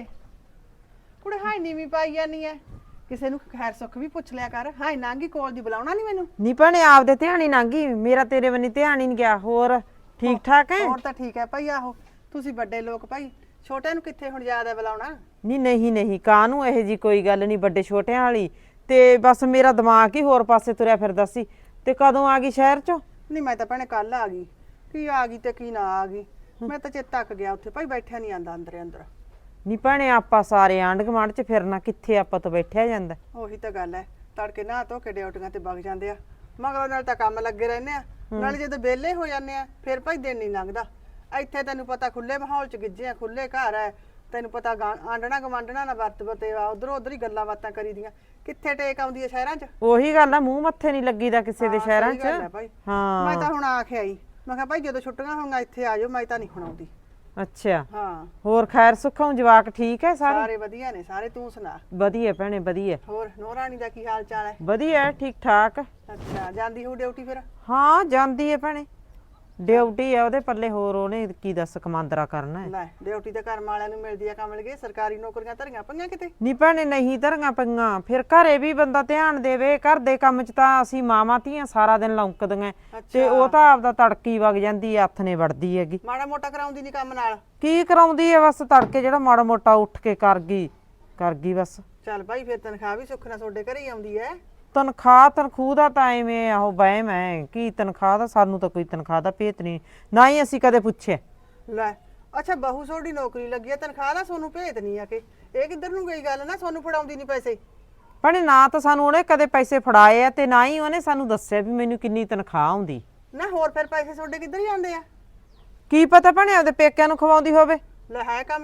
[SPEAKER 6] ਕੁੜੇ ਹਾਈ ਨੀਵੀਂ ਪਾਈ ਜਾਨੀ ਐ, ਕਿਸੇ ਨੂੰ ਖੈਰ ਸੁੱਖ ਵੀ ਪੁੱਛ ਲਿਆ ਕਰ। ਹਾਈ ਨਾਂਗੀ ਕੋਲ ਦੀ ਬੁਲਾਉਣਾ ਨਹੀਂ ਮੈਨੂੰ।
[SPEAKER 1] ਨਹੀਂ ਭੈਣੇ ਆਪਦੇ ਧਿਆਨ ਹੀ ਲੰਘ ਗਈ, ਮੇਰਾ ਤੇਰੇ ਬੰਨੀ ਧਿਆਨ ਹੀ ਨਹੀਂ ਗਿਆ। ਹੋਰ ਠੀਕ ਠਾਕ ਹੈ?
[SPEAKER 6] ਹੋਰ ਤਾਂ ਠੀਕ ਹੈ ਭਾਈ। ਆਹੋ ਤੁਸੀਂ ਵੱਡੇ ਲੋਕ ਭਾਈ, ਛੋਟਿਆਂ ਨੂੰ ਕਿੱਥੇ ਹੁਣ ਯਾਦ ਹੈ ਬੁਲਾਉਣਾ।
[SPEAKER 1] ਨਹੀਂ ਨਹੀਂ ਨਹੀਂ, ਕਾਹਨੂੰ ਇਹੋ ਜੀ ਕੋਈ ਗੱਲ ਨਹੀਂ ਵੱਡੇ ਛੋਟਿਆਂ ਵਾਲੀ। ਤੇ ਬਸ ਮੇਰਾ ਦਿਮਾਗ ਹੀ ਹੋਰ ਪਾਸੇ ਤੁਰਿਆ ਫਿਰਦਾ ਸੀ। ਤੇ ਕਦੋਂ ਆ ਗਈ ਸ਼ਹਿਰ ਚੋਂ?
[SPEAKER 6] ਨਹੀਂ ਮੈਂ ਤਾਂ ਭੈਣੇ ਕੱਲ ਆ ਗਈ, ਕੀ ਆ ਗਈ ਤੇ ਕੀ ਨਾ ਆ ਗਈ। ਮੈਂ ਤਾਂ ਚੇਤਾ ਤੱਕ ਗਿਆ ਉੱਥੇ ਭਾਈ, ਬੈਠਿਆ ਨਹੀਂ ਆਂਦਾ ਅੰਦਰੇ ਅੰਦਰ।
[SPEAKER 1] ਨਹੀਂ ਭੈਣੇ ਆਪਾਂ ਸਾਰੇ ਆਂਢ ਗੁਆਂਢ ਚ ਫਿਰਨਾ, ਕਿੱਥੇ ਆਪਾਂ ਤੋਂ ਬੈਠਿਆ ਜਾਂਦਾ।
[SPEAKER 6] ਉਹੀ ਤਾਂ ਗੱਲ ਹੈ, ਤੜਕੇ ਨਹਾ ਧੋ ਕੇ ਡਿਊਟੀਆਂ ਤੇ ਵਗ ਜਾਂਦੇ ਆ, ਮਗਰੋਂ ਨਾਲ ਤਾਂ ਕੰਮ ਲੱਗੇ ਰਹਿੰਦੇ ਆ, ਨਾਲੇ ਜਦੋਂ ਵਿਹਲੇ ਹੋ ਜਾਂਦੇ ਆ ਫਿਰ ਭਾਈ ਦਿਨ ਨਹੀਂ ਲੰਘਦਾ। ਇੱਥੇ ਤੈਨੂੰ ਪਤਾ ਖੁੱਲੇ ਮਾਹੌਲ ਚ ਗਿੱਜੇ ਆ, ਖੁੱਲੇ ਘਰ ਹੈ, ਤੈਨੂੰ ਪਤਾ ਆਂਡਣਾ ਗਵਾਂਡਣਾ ਨਾ ਵਰਤ ਵਤੇਵਾ, ਉਧਰੋਂ ਉਧਰ ਹੀ ਗੱਲਾਂ ਬਾਤਾਂ ਕਰੀਦੀਆਂ। ਕਿੱਥੇ ਟੇਕ ਆਉਂਦੀ ਹੈ ਸ਼ਹਿਰਾਂ 'ਚ?
[SPEAKER 1] ਉਹੀ ਗੱਲ ਆ, ਮੂੰਹ ਮੱਥੇ ਨਹੀਂ ਲੱਗੀਦਾ ਕਿਸੇ ਦੇ
[SPEAKER 6] ਹਾਂ,
[SPEAKER 1] ਸ਼ਹਿਰਾਂ
[SPEAKER 6] ਸਹੀ ਗੱਲ ਹੈ
[SPEAKER 1] 'ਚ।
[SPEAKER 6] ਭਾਈ।
[SPEAKER 1] ਹਾਂ
[SPEAKER 6] ਮੈਂ ਤਾਂ ਹੁਣ ਆਖ ਆਈ, ਮੈਂ ਕਿਹਾ ਭਾਈ ਜਦੋਂ ਛੁੱਟੀਆਂ ਹੋਣਗੀਆਂ ਇੱਥੇ ਆ ਜਾਓ, ਮੈਂ ਤਾਂ ਨਹੀਂ ਹੁਣ ਆਉਂਦੀ।
[SPEAKER 1] ਅੱਛਾ
[SPEAKER 6] ਹਾਂ
[SPEAKER 1] ਹੋਰ ਖੈਰ ਸੁੱਖੋਂ ਜਵਾਕ ਠੀਕ ਹੈ ਸਾਰੇ?
[SPEAKER 6] ਸਾਰੇ ਵਧੀਆ ਨੇ ਸਾਰੇ, ਤੂੰ ਸੁਣਾ?
[SPEAKER 1] ਵਧੀਆ ਭੈਣੇ ਵਧੀਆ
[SPEAKER 6] ਹੋਰ ਨੂੰਹ ਰਾਣੀ ਦਾ ਕੀ ਹਾਲ ਚਾਲ ਹੈ?
[SPEAKER 1] ਵਧੀਆ ਠੀਕ ਠਾਕ।
[SPEAKER 6] ਅੱਛਾ ਜਾਂਦੀ ਹੋ ਡਿਊਟੀ ਫਿਰ?
[SPEAKER 1] ਹਾਂ ਜਾਂਦੀ ਹੈ ਭੈਣੇ, ਡਿਊਟੀ ਆ ਉਹਦੇ ਪੱਲੇ, ਹੋਰ ਉਹਨੇ ਕੀ ਦੱਸ ਕਮਾਂਦਰਾ ਕਰਨਾ ਹੈ।
[SPEAKER 6] ਲੈ ਡਿਊਟੀ ਤਾਂ ਘਰ ਵਾਲਿਆਂ ਨੂੰ ਮਿਲਦੀ ਆ ਕਮਲ ਗਏ, ਸਰਕਾਰੀ ਨੌਕਰੀਆਂ ਧਰੀਆਂ ਪਈਆਂ ਕਿਤੇ?
[SPEAKER 1] ਨੀ ਭੈਣੇ ਨਹੀਂ ਧਰੀਆਂ ਪਈਆਂ, ਫਿਰ ਘਰੇ ਵੀ ਬੰਦਾ ਧਿਆਨ ਦੇਵੇ। ਘਰ ਦੇ ਕੰਮ 'ਚ ਤਾਂ ਅਸੀਂ ਮਾਵਾਂ ਧੀਆਂ ਸਾਰਾ ਦਿਨ ਲੌਂਕਦੀਆਂ, ਤੇ ਉਹ ਤਾਂ ਆਪਦਾ ਤੜਕੀ ਵਗ ਜਾਂਦੀ ਹੈ, ਹੱਥ ਨੇ ਵੜਦੀ ਹੈਗੀ।
[SPEAKER 6] ਮਾੜਾ ਮੋਟਾ ਕਰਾਉਂਦੀ ਨਹੀਂ ਕੰਮ ਨਾਲ?
[SPEAKER 1] ਕੀ ਕਰਾਉਂਦੀ ਹੈ, ਬਸ ਤੜਕੇ ਜਿਹੜਾ ਮਾੜਾ ਮੋਟਾ ਉੱਠ ਕੇ ਕਰ ਗਈ ਕਰ ਗਈ ਬਸ।
[SPEAKER 6] ਚੱਲ ਭਾਈ ਫਿਰ ਤਨਖਾਹ ਵੀ ਸੁੱਖ ਨਾਲ ਤੁਹਾਡੇ ਘਰੇ ਹੀ ਆਉਂਦੀ ਹੈ।
[SPEAKER 1] ਤਨਖਾਹ ਤਨਖੂਹ ਦਾ ਤਾਂ ਐਵੇਂ ਆਹੋ ਵਹਿਮ ਹੈ, ਕੀ ਤਨਖਾਹ ਦਾ ਸਾਨੂੰ ਤਾਂ ਕੋਈ ਤਨਖਾਹ ਦਾ ਭੇਤ ਨਹੀਂ, ਨਾ ਹੀ ਅਸੀਂ ਕਦੇ ਪੁੱਛਿਆ।
[SPEAKER 6] ਲੈ ਅੱਛਾ ਬਹੂ ਤੁਹਾਡੀ ਨੌਕਰੀ ਲੱਗੀ ਹੈ, ਤਨਖਾਹ ਦਾ ਤੁਹਾਨੂੰ ਭੇਤ ਨਹੀਂ ਆ ਕਿ? ਇਹ ਕਿੱਧਰ ਨੂੰ ਗਈ ਗੱਲ, ਨਾ ਤੁਹਾਨੂੰ ਫੜਾਉਂਦੀ ਨਹੀਂ ਪੈਸੇ?
[SPEAKER 1] ਭੈਣੇ ਨਾ ਤਾਂ ਸਾਨੂੰ ਉਹਨੇ ਕਦੇ ਪੈਸੇ ਫੜਾਏ ਆ, ਤੇ ਨਾ ਹੀ ਉਹਨੇ ਸਾਨੂੰ ਦੱਸਿਆ ਵੀ ਮੈਨੂੰ ਕਿੰਨੀ ਤਨਖਾਹ ਆਉਂਦੀ।
[SPEAKER 6] ਨਾ ਹੋਰ ਫਿਰ ਪੈਸੇ ਤੁਹਾਡੇ ਕਿੱਧਰ ਜਾਂਦੇ ਆ?
[SPEAKER 1] ਕੀ ਪਤਾ ਭੈਣੇ ਉਹਦੇ ਪੇਕਿਆਂ ਨੂੰ ਖਵਾਉਂਦੀ ਹੋਵੇ।
[SPEAKER 6] ਲੈ ਹੈ ਕਮਲੀ,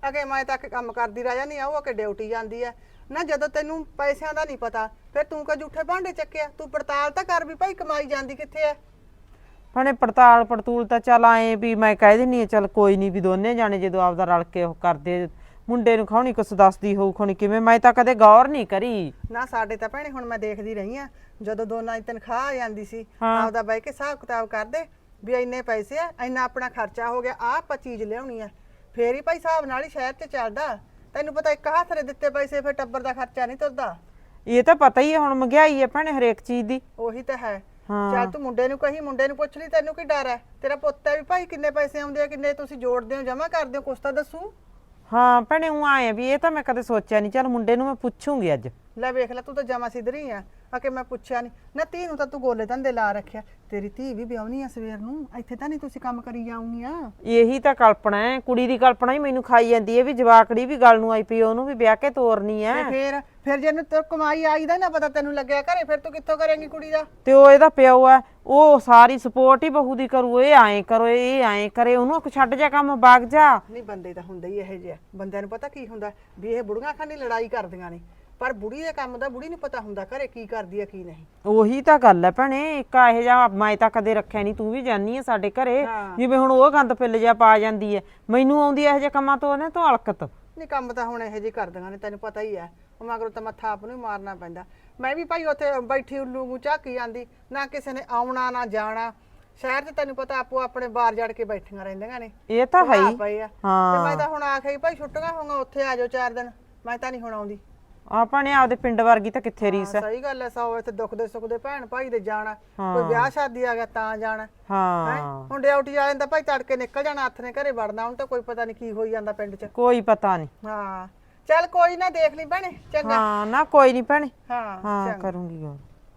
[SPEAKER 6] ਅਗੇ ਮੈਂ ਤਾਂ ਕੰਮ ਕਰਦੀ ਰਹਿ ਜਾਂਦੀ ਆ ਉਹ ਕਿ ਡਿਊਟੀ ਜਾਂਦੀ ਆ ਨਾ ਜਦੋਂ ਤੈਨੂੰ ਪੈਸਿਆਂ ਦਾ ਨਹੀਂ ਪਤਾ ਫਿਰ ਤੂੰ ਕਾ ਝੂਠੇ ਭਾਂਡੇ ਚੱਕਿਆ ਤੂੰ ਪੜਤਾਲ ਤਾਂ ਕਰ ਵੀ ਭਾਈ ਕਮਾਈ ਜਾਂਦੀ ਕਿੱਥੇ ਆ
[SPEAKER 1] ਭੈਣੇ ਪੜਤਾਲ ਪੜਤੂਲ ਤਾਂ ਚੱਲ ਆਏ ਵੀ ਮੈਂ ਕਹਿ ਦਿੰਨੀ ਆ ਚੱਲ ਕੋਈ ਨਹੀਂ ਵੀ ਦੋਨੇ ਜਾਣੇ ਜਦੋਂ ਆਪਦਾ ਰਲ ਕੇ ਉਹ ਕਰਦੇ ਮੁੰਡੇ ਨੂੰ ਖਾਣੀ ਕੁਛ ਦੱਸਦੀ ਹੋਊ ਖਾਣੀ ਕਿਵੇਂ ਮੈਂ ਤਾਂ ਕਦੇ ਗੌਰ ਨਹੀਂ ਕਰੀ
[SPEAKER 6] ਨਾ ਸਾਡੇ ਤਾਂ ਭੈਣੇ ਹੁਣ ਮੈਂ ਦੇਖਦੀ ਰਹੀ ਆ ਜਦੋਂ ਦੋਨਾਂ ਦੀ ਤਨਖਾਹ ਆ ਜਾਂਦੀ ਸੀ ਆਪਦਾ ਬਹਿ ਕੇ ਹਿਸਾਬ ਕਿਤਾਬ ਕਰਦੇ ਵੀ ਇੰਨੇ ਪੈਸੇ ਆ ਇੰਨਾ ਆਪਣਾ ਖਰਚਾ ਹੋ ਗਿਆ ਆ ਆਪਾਂ ਚੀਜ਼ ਲਿਆਉਣੀ ਆ ਫੇਰ ਹੀ ਭਾਈ ਹਿਸਾਬ ਨਾਲ ਹੀ ਸ਼ਹਿਰ 'ਚ ਚੱਲਦਾ ਤੈਨੂੰ ਪਤਾ ਇੱਕ ਹੱਥ ਦੇ ਦਿੱਤੇ ਪੈਸੇ ਫਿਰ ਟੱਬਰ ਦਾ ਖਰਚਾ ਨਹੀਂ ਤੁਰਦਾ
[SPEAKER 1] ਇਹ ਤਾਂ ਪਤਾ ਹੀ ਹੈ ਹੁਣ ਮਹਿੰਗਾਈ ਹੈ ਭੈਣੇ ਹਰੇਕ ਚੀਜ਼ ਦੀ
[SPEAKER 6] ਉਹੀ ਤਾਂ ਹੈ ਚੱਲ ਤੂੰ ਮੁੰਡੇ ਨੂੰ ਕਹੀ ਮੁੰਡੇ ਨੂੰ ਪੁੱਛ ਲਈ ਤੈਨੂੰ ਕੀ ਡਰ ਹੈ ਤੇਰਾ ਪੁੱਤ ਹੈ ਵੀ ਭਾਈ ਕਿੰਨੇ ਪੈਸੇ ਆਉਂਦੇ ਆ ਕਿੰਨੇ ਤੁਸੀਂ ਜੋੜਦੇ ਹੋ ਜਮਾ ਕਰਦੇ ਹੋ ਕੁਛ ਤਾਂ ਦੱਸੂ
[SPEAKER 1] ਹਾਂ ਭੈਣੇ ਉਹ ਆਏ ਵੀ ਇਹ ਤਾਂ ਮੈਂ ਕਦੇ ਸੋਚਿਆ ਨਹੀਂ ਚੱਲ ਮੁੰਡੇ ਨੂੰ ਮੈਂ ਪੁੱਛੂੰਗੀ ਅੱਜ
[SPEAKER 6] ਲੈ ਵੇਖ ਲੈ ਤੂੰ ਤਾਂ ਜਮਾ ਸਿੱਧਰੀ ਆ ਆ ਕਿ ਮੈਂ ਪੁੱਛਿਆ ਨਹੀਂ ਨਾ ਧੀ ਨੂੰ ਤਾਂ ਤੂੰ ਗੋਲੇ ਧੰਦੇ ਲਾ ਰੱਖਿਆ ਤੇਰੀ ਧੀ ਵੀ ਵਿਆਹਣੀ ਆ ਸਵੇਰ ਨੂੰ ਇੱਥੇ ਤਾਂ ਨਹੀਂ ਤੁਸੀਂ ਕੰਮ ਕਰੀ ਜਾਉਣੀ ਆ
[SPEAKER 1] ਇਹੀ ਤਾਂ ਕਲਪਨਾ ਹੈ ਕੁੜੀ ਦੀ ਕਲਪਨਾ ਹੀ ਮੈਨੂੰ ਖਾਈ ਜਾਂਦੀ ਹੈ ਵੀ ਜਵਾਕੜੀ ਵੀ ਗੱਲ ਨੂੰ ਆਈ ਪਈ ਉਹਨੂੰ ਵੀ ਵਿਆਹ ਕੇ ਤੋਰਨੀ ਹੈ
[SPEAKER 6] ਤੇ ਫੇਰ ਫਿਰ ਜੇ ਤੇ ਕਮਾਈ ਆਈ ਦਾ ਨਾ ਪਤਾ ਤੈਨੂੰ ਲੱਗਿਆ ਘਰੇ ਫਿਰ ਤੂੰ ਕਿੱਥੋਂ ਕਰੇਂਗੀ ਕੁੜੀ ਦਾ
[SPEAKER 1] ਤੇ ਉਹ ਇਹਦਾ ਪਿਓ ਹੈ ਉਹ ਸਾਰੀ ਸਪੋਰਟ ਹੀ ਬਹੂ ਦੀ ਕਰੂ ਇਹ ਐਂ ਕਰੋ ਇਹ ਐਂ ਕਰੇ ਉਹਨੂੰ ਆਖ ਛੱਡ ਜਾ ਕੰਮ ਬਾਗ ਜਾ
[SPEAKER 6] ਨਹੀਂ ਬੰਦੇ ਤਾਂ ਹੁੰਦੇ ਹੀ ਇਹੋ ਜਿਹੇ ਬੰਦਿਆਂ ਨੂੰ ਪਤਾ ਕੀ ਹੁੰਦਾ ਵੀ ਇਹ ਬੁੜੀਆਂ ਖਾਨੀ ਲੜਾਈ ਕਰਦੀਆਂ ਨੇ ਪਰ ਬੁੜੀ ਦੇ ਕੰਮ ਦਾ ਬੁੜੀ ਨੂੰ ਪਤਾ ਹੁੰਦਾ ਘਰੇ ਕੀ ਕਰਦੀ ਆ ਕੀ ਨਹੀਂ
[SPEAKER 1] ਉਹੀ ਤਾਂ ਗੱਲ ਹੈ ਭੈਣੇ ਇੱਕ ਇਹੋ ਜਿਹਾ ਮੈਂ ਤਾਂ ਕਦੇ ਰੱਖਿਆ ਨਹੀਂ ਤੂੰ ਵੀ ਜਾਨੀ ਆ ਸਾਡੇ ਘਰੇ ਜਿਵੇਂ ਹੁਣ ਉਹ ਗੰਦ ਪਿੱਲ ਜਿਹਾ ਪਾ ਜਾਂਦੀ ਹੈ ਮੈਨੂੰ ਆਉਂਦੀ ਇਹੋ ਜਿਹੇ ਕੰਮਾਂ ਤੋਂ ਉਹਨੇ ਤੋਂ ਹਲਕਤ
[SPEAKER 6] ਨਹੀਂ ਕੰਮ ਤਾਂ ਹੁਣ ਇਹੋ ਜਿਹੇ ਕਰਦੀਆਂ ਨੇ ਤੈਨੂੰ ਪਤਾ ਹੀ ਹੈ ਉਹ ਮਗਰੋਂ ਤਾਂ ਮੱਥਾ ਆਪ ਨੂੰ ਹੀ ਮਾਰਨਾ ਪੈਂਦਾ ਮੈਂ ਵੀ ਭਾਈ ਉੱਥੇ ਬੈਠੀ ਉੱਲੂ ਨੂੰ ਝਾਕੀ ਜਾਂਦੀ ਨਾ ਕਿਸੇ ਨੇ ਆਉਣਾ ਨਾ ਜਾਣਾ ਸ਼ਹਿਰ 'ਚ ਤੈਨੂੰ ਪਤਾ ਆਪੋ ਆਪਣੇ ਬਾਰ ਜੜ ਕੇ ਬੈਠੀਆਂ ਰਹਿੰਦੀਆਂ ਨੇ
[SPEAKER 1] ਇਹ ਤਾਂ ਹੈ ਹੀ
[SPEAKER 6] ਪਏ ਆ ਤੇ ਮੈਂ ਤਾਂ ਹੁਣ ਆਖਿਆ ਭਾਈ ਛੁੱਟੀਆਂ ਹੋਊਗਾ ਉੱਥੇ ਆ ਜਾਓ ਚਾਰ ਦਿਨ ਮੈਂ ਤਾਂ ਨਹੀਂ ਹੁਣ ਆਉਂਦੀ
[SPEAKER 1] ਆਪਾਂ ਨੇ ਆਪਦੇ ਪਿੰਡ ਵਰਗੀ ਤਾਂ ਕਿੱਥੇ ਰੀਸ ਹੈ
[SPEAKER 6] ਸਹੀ ਗੱਲ ਹੈ ਸੌ ਇੱਥੇ ਦੁੱਖ ਦੇ ਸੁੱਖ ਦੇ ਭੈਣ ਭਾਈ ਦੇ ਜਾਣਾ ਕੋਈ ਵਿਆਹ ਸ਼ਾਦੀ ਆ ਗਿਆ ਤਾਂ ਜਾਣਾ
[SPEAKER 1] ਹਾਂ
[SPEAKER 6] ਹੁਣ ਡਿਊਟੀ ਵਾਲਿਆਂ ਦਾ ਭਾਈ ਤੜਕੇ ਨਿਕਲ ਜਾਣਾ ਹੱਥ ਨੇ ਘਰੇ ਵੜਨਾ ਹੁਣ ਤਾਂ ਕੋਈ ਪਤਾ ਨਹੀਂ ਕੀ ਹੋਈ ਜਾਂਦਾ ਪਿੰਡ 'ਚ
[SPEAKER 1] ਕੋਈ ਪਤਾ ਨਹੀਂ
[SPEAKER 6] ਹਾਂ ਚੱਲ ਕੋਈ ਨਾ ਦੇਖ ਲਈ ਭੈਣੇ ਚੰਗਾ
[SPEAKER 1] ਹਾਂ ਨਾ ਕੋਈ ਨਹੀਂ ਭੈਣੇ
[SPEAKER 6] ਹਾਂ
[SPEAKER 1] ਹਾਂ ਕਰੂੰਗੀ ਗੱਲ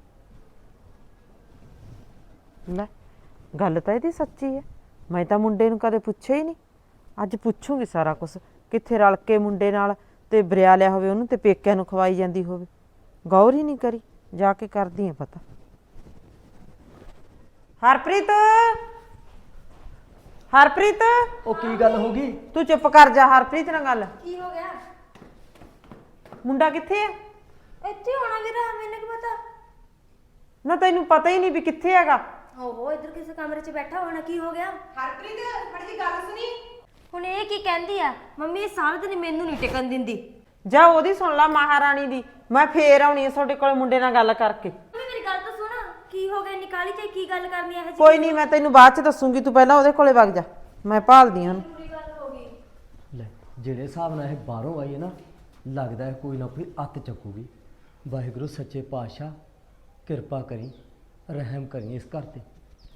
[SPEAKER 1] ਲੈ ਗੱਲ ਤਾਂ ਇਹਦੀ ਸੱਚੀ ਹੈ ਮੈਂ ਤਾਂ ਮੁੰਡੇ ਨੂੰ ਕਦੇ ਪੁੱਛਿਆ ਹੀ ਨਹੀਂ ਅੱਜ ਪੁੱਛੂਗੀ ਸਾਰਾ ਕੁਝ ਕਿੱਥੇ ਰਲ ਕੇ ਮੁੰਡੇ ਨਾਲ ਤੇ ਬਰਿਆ ਲਿਆ ਹੋਵੇ ਉਹਨੂੰ ਤੇ ਪੇਕਿਆਂ ਨੂੰ ਖਵਾਈ ਜਾਂਦੀ ਹੋਵੇ ਗੌਰ ਹੀ ਨਹੀਂ ਕਰੀ ਜਾ ਕੇ ਕਰਦੀ ਆ ਪਤਾ ਹਰਪ੍ਰੀਤ ਹਰਪ੍ਰੀਤ
[SPEAKER 3] ਉਹ ਕੀ ਗੱਲ ਹੋ ਗਈ
[SPEAKER 1] ਤੂੰ ਚੁੱਪ ਕਰ ਜਾ ਹਰਪ੍ਰੀਤ ਨਾਲ ਗੱਲ
[SPEAKER 4] ਕੀ ਹੋ ਗਿਆ
[SPEAKER 1] ਮੁੰਡਾ ਕਿੱਥੇ ਆ
[SPEAKER 4] ਇੱਥੇ ਹੋਣਾ ਵੀਰਾ ਮੈਨੂੰ ਕੀ ਪਤਾ
[SPEAKER 1] ਨਾ ਤੈਨੂੰ ਪਤਾ ਹੀ ਨਹੀਂ ਵੀ ਕਿੱਥੇ ਹੈਗਾ
[SPEAKER 4] ਓਹੋ ਇੱਧਰ ਕਿਸੇ ਕਮਰੇ 'ਚ ਬੈਠਾ ਹੋਣਾ ਕੀ ਹੋ ਗਿਆ
[SPEAKER 2] ਹਰਪ੍ਰੀਤ ਫੜੀ ਜੀ ਗੱਲ ਸੁਣੀ
[SPEAKER 4] ਹੁਣ ਇਹ ਕੀ ਕਹਿੰਦੀ ਆ ਮੰਮੀ ਇਹ ਸਾਰਾ ਦਿਨ ਮੈਨੂੰ ਨਹੀਂ ਟਿਕਣ ਦਿੰਦੀ
[SPEAKER 1] ਜਾ ਉਹਦੀ ਸੁਣ ਲਾ ਮਹਾਰਾਣੀ ਦੀ ਮੈਂ ਫੇਰ ਆਉਣੀ ਆ ਤੁਹਾਡੇ ਕੋਲ ਮੁੰਡੇ ਨਾਲ ਗੱਲ ਕਰਕੇ
[SPEAKER 4] ਮੰਮੀ ਮੇਰੀ ਗੱਲ ਤਾਂ ਸੁਣ ਕੀ ਹੋ ਗਿਆ ਨਿਕਾਲੀ ਤੇ ਕੀ ਗੱਲ ਕਰਨੀ ਹੈ ਹਜੇ
[SPEAKER 1] ਕੋਈ ਨਹੀਂ ਮੈਂ ਤੈਨੂੰ ਬਾਅਦ ਚ ਦੱਸੂਗੀ ਤੂੰ ਪਹਿਲਾਂ ਉਹਦੇ ਕੋਲੇ ਵਗ ਜਾ ਮੈਂ ਭਾਲਦੀ ਹਾਂ ਉਹਨੂੰ
[SPEAKER 4] ਪੂਰੀ ਗੱਲ ਹੋ ਗਈ
[SPEAKER 3] ਲੈ ਜਿਹੜੇ ਹਿਸਾਬ ਨਾਲ ਇਹ ਬਾਹਰੋਂ ਆਈ ਹੈ ਨਾ ਲੱਗਦਾ ਹੈ ਕੋਈ ਨਾ ਕੋਈ ਅੱਤ ਚੱਕੂਗੀ ਵਾਹਿਗੁਰੂ ਸੱਚੇ ਪਾਤਸ਼ਾਹ ਕਿਰਪਾ ਕਰੀ ਰਹਿਮ ਕਰੀ ਇਸ ਘਰ ਤੇ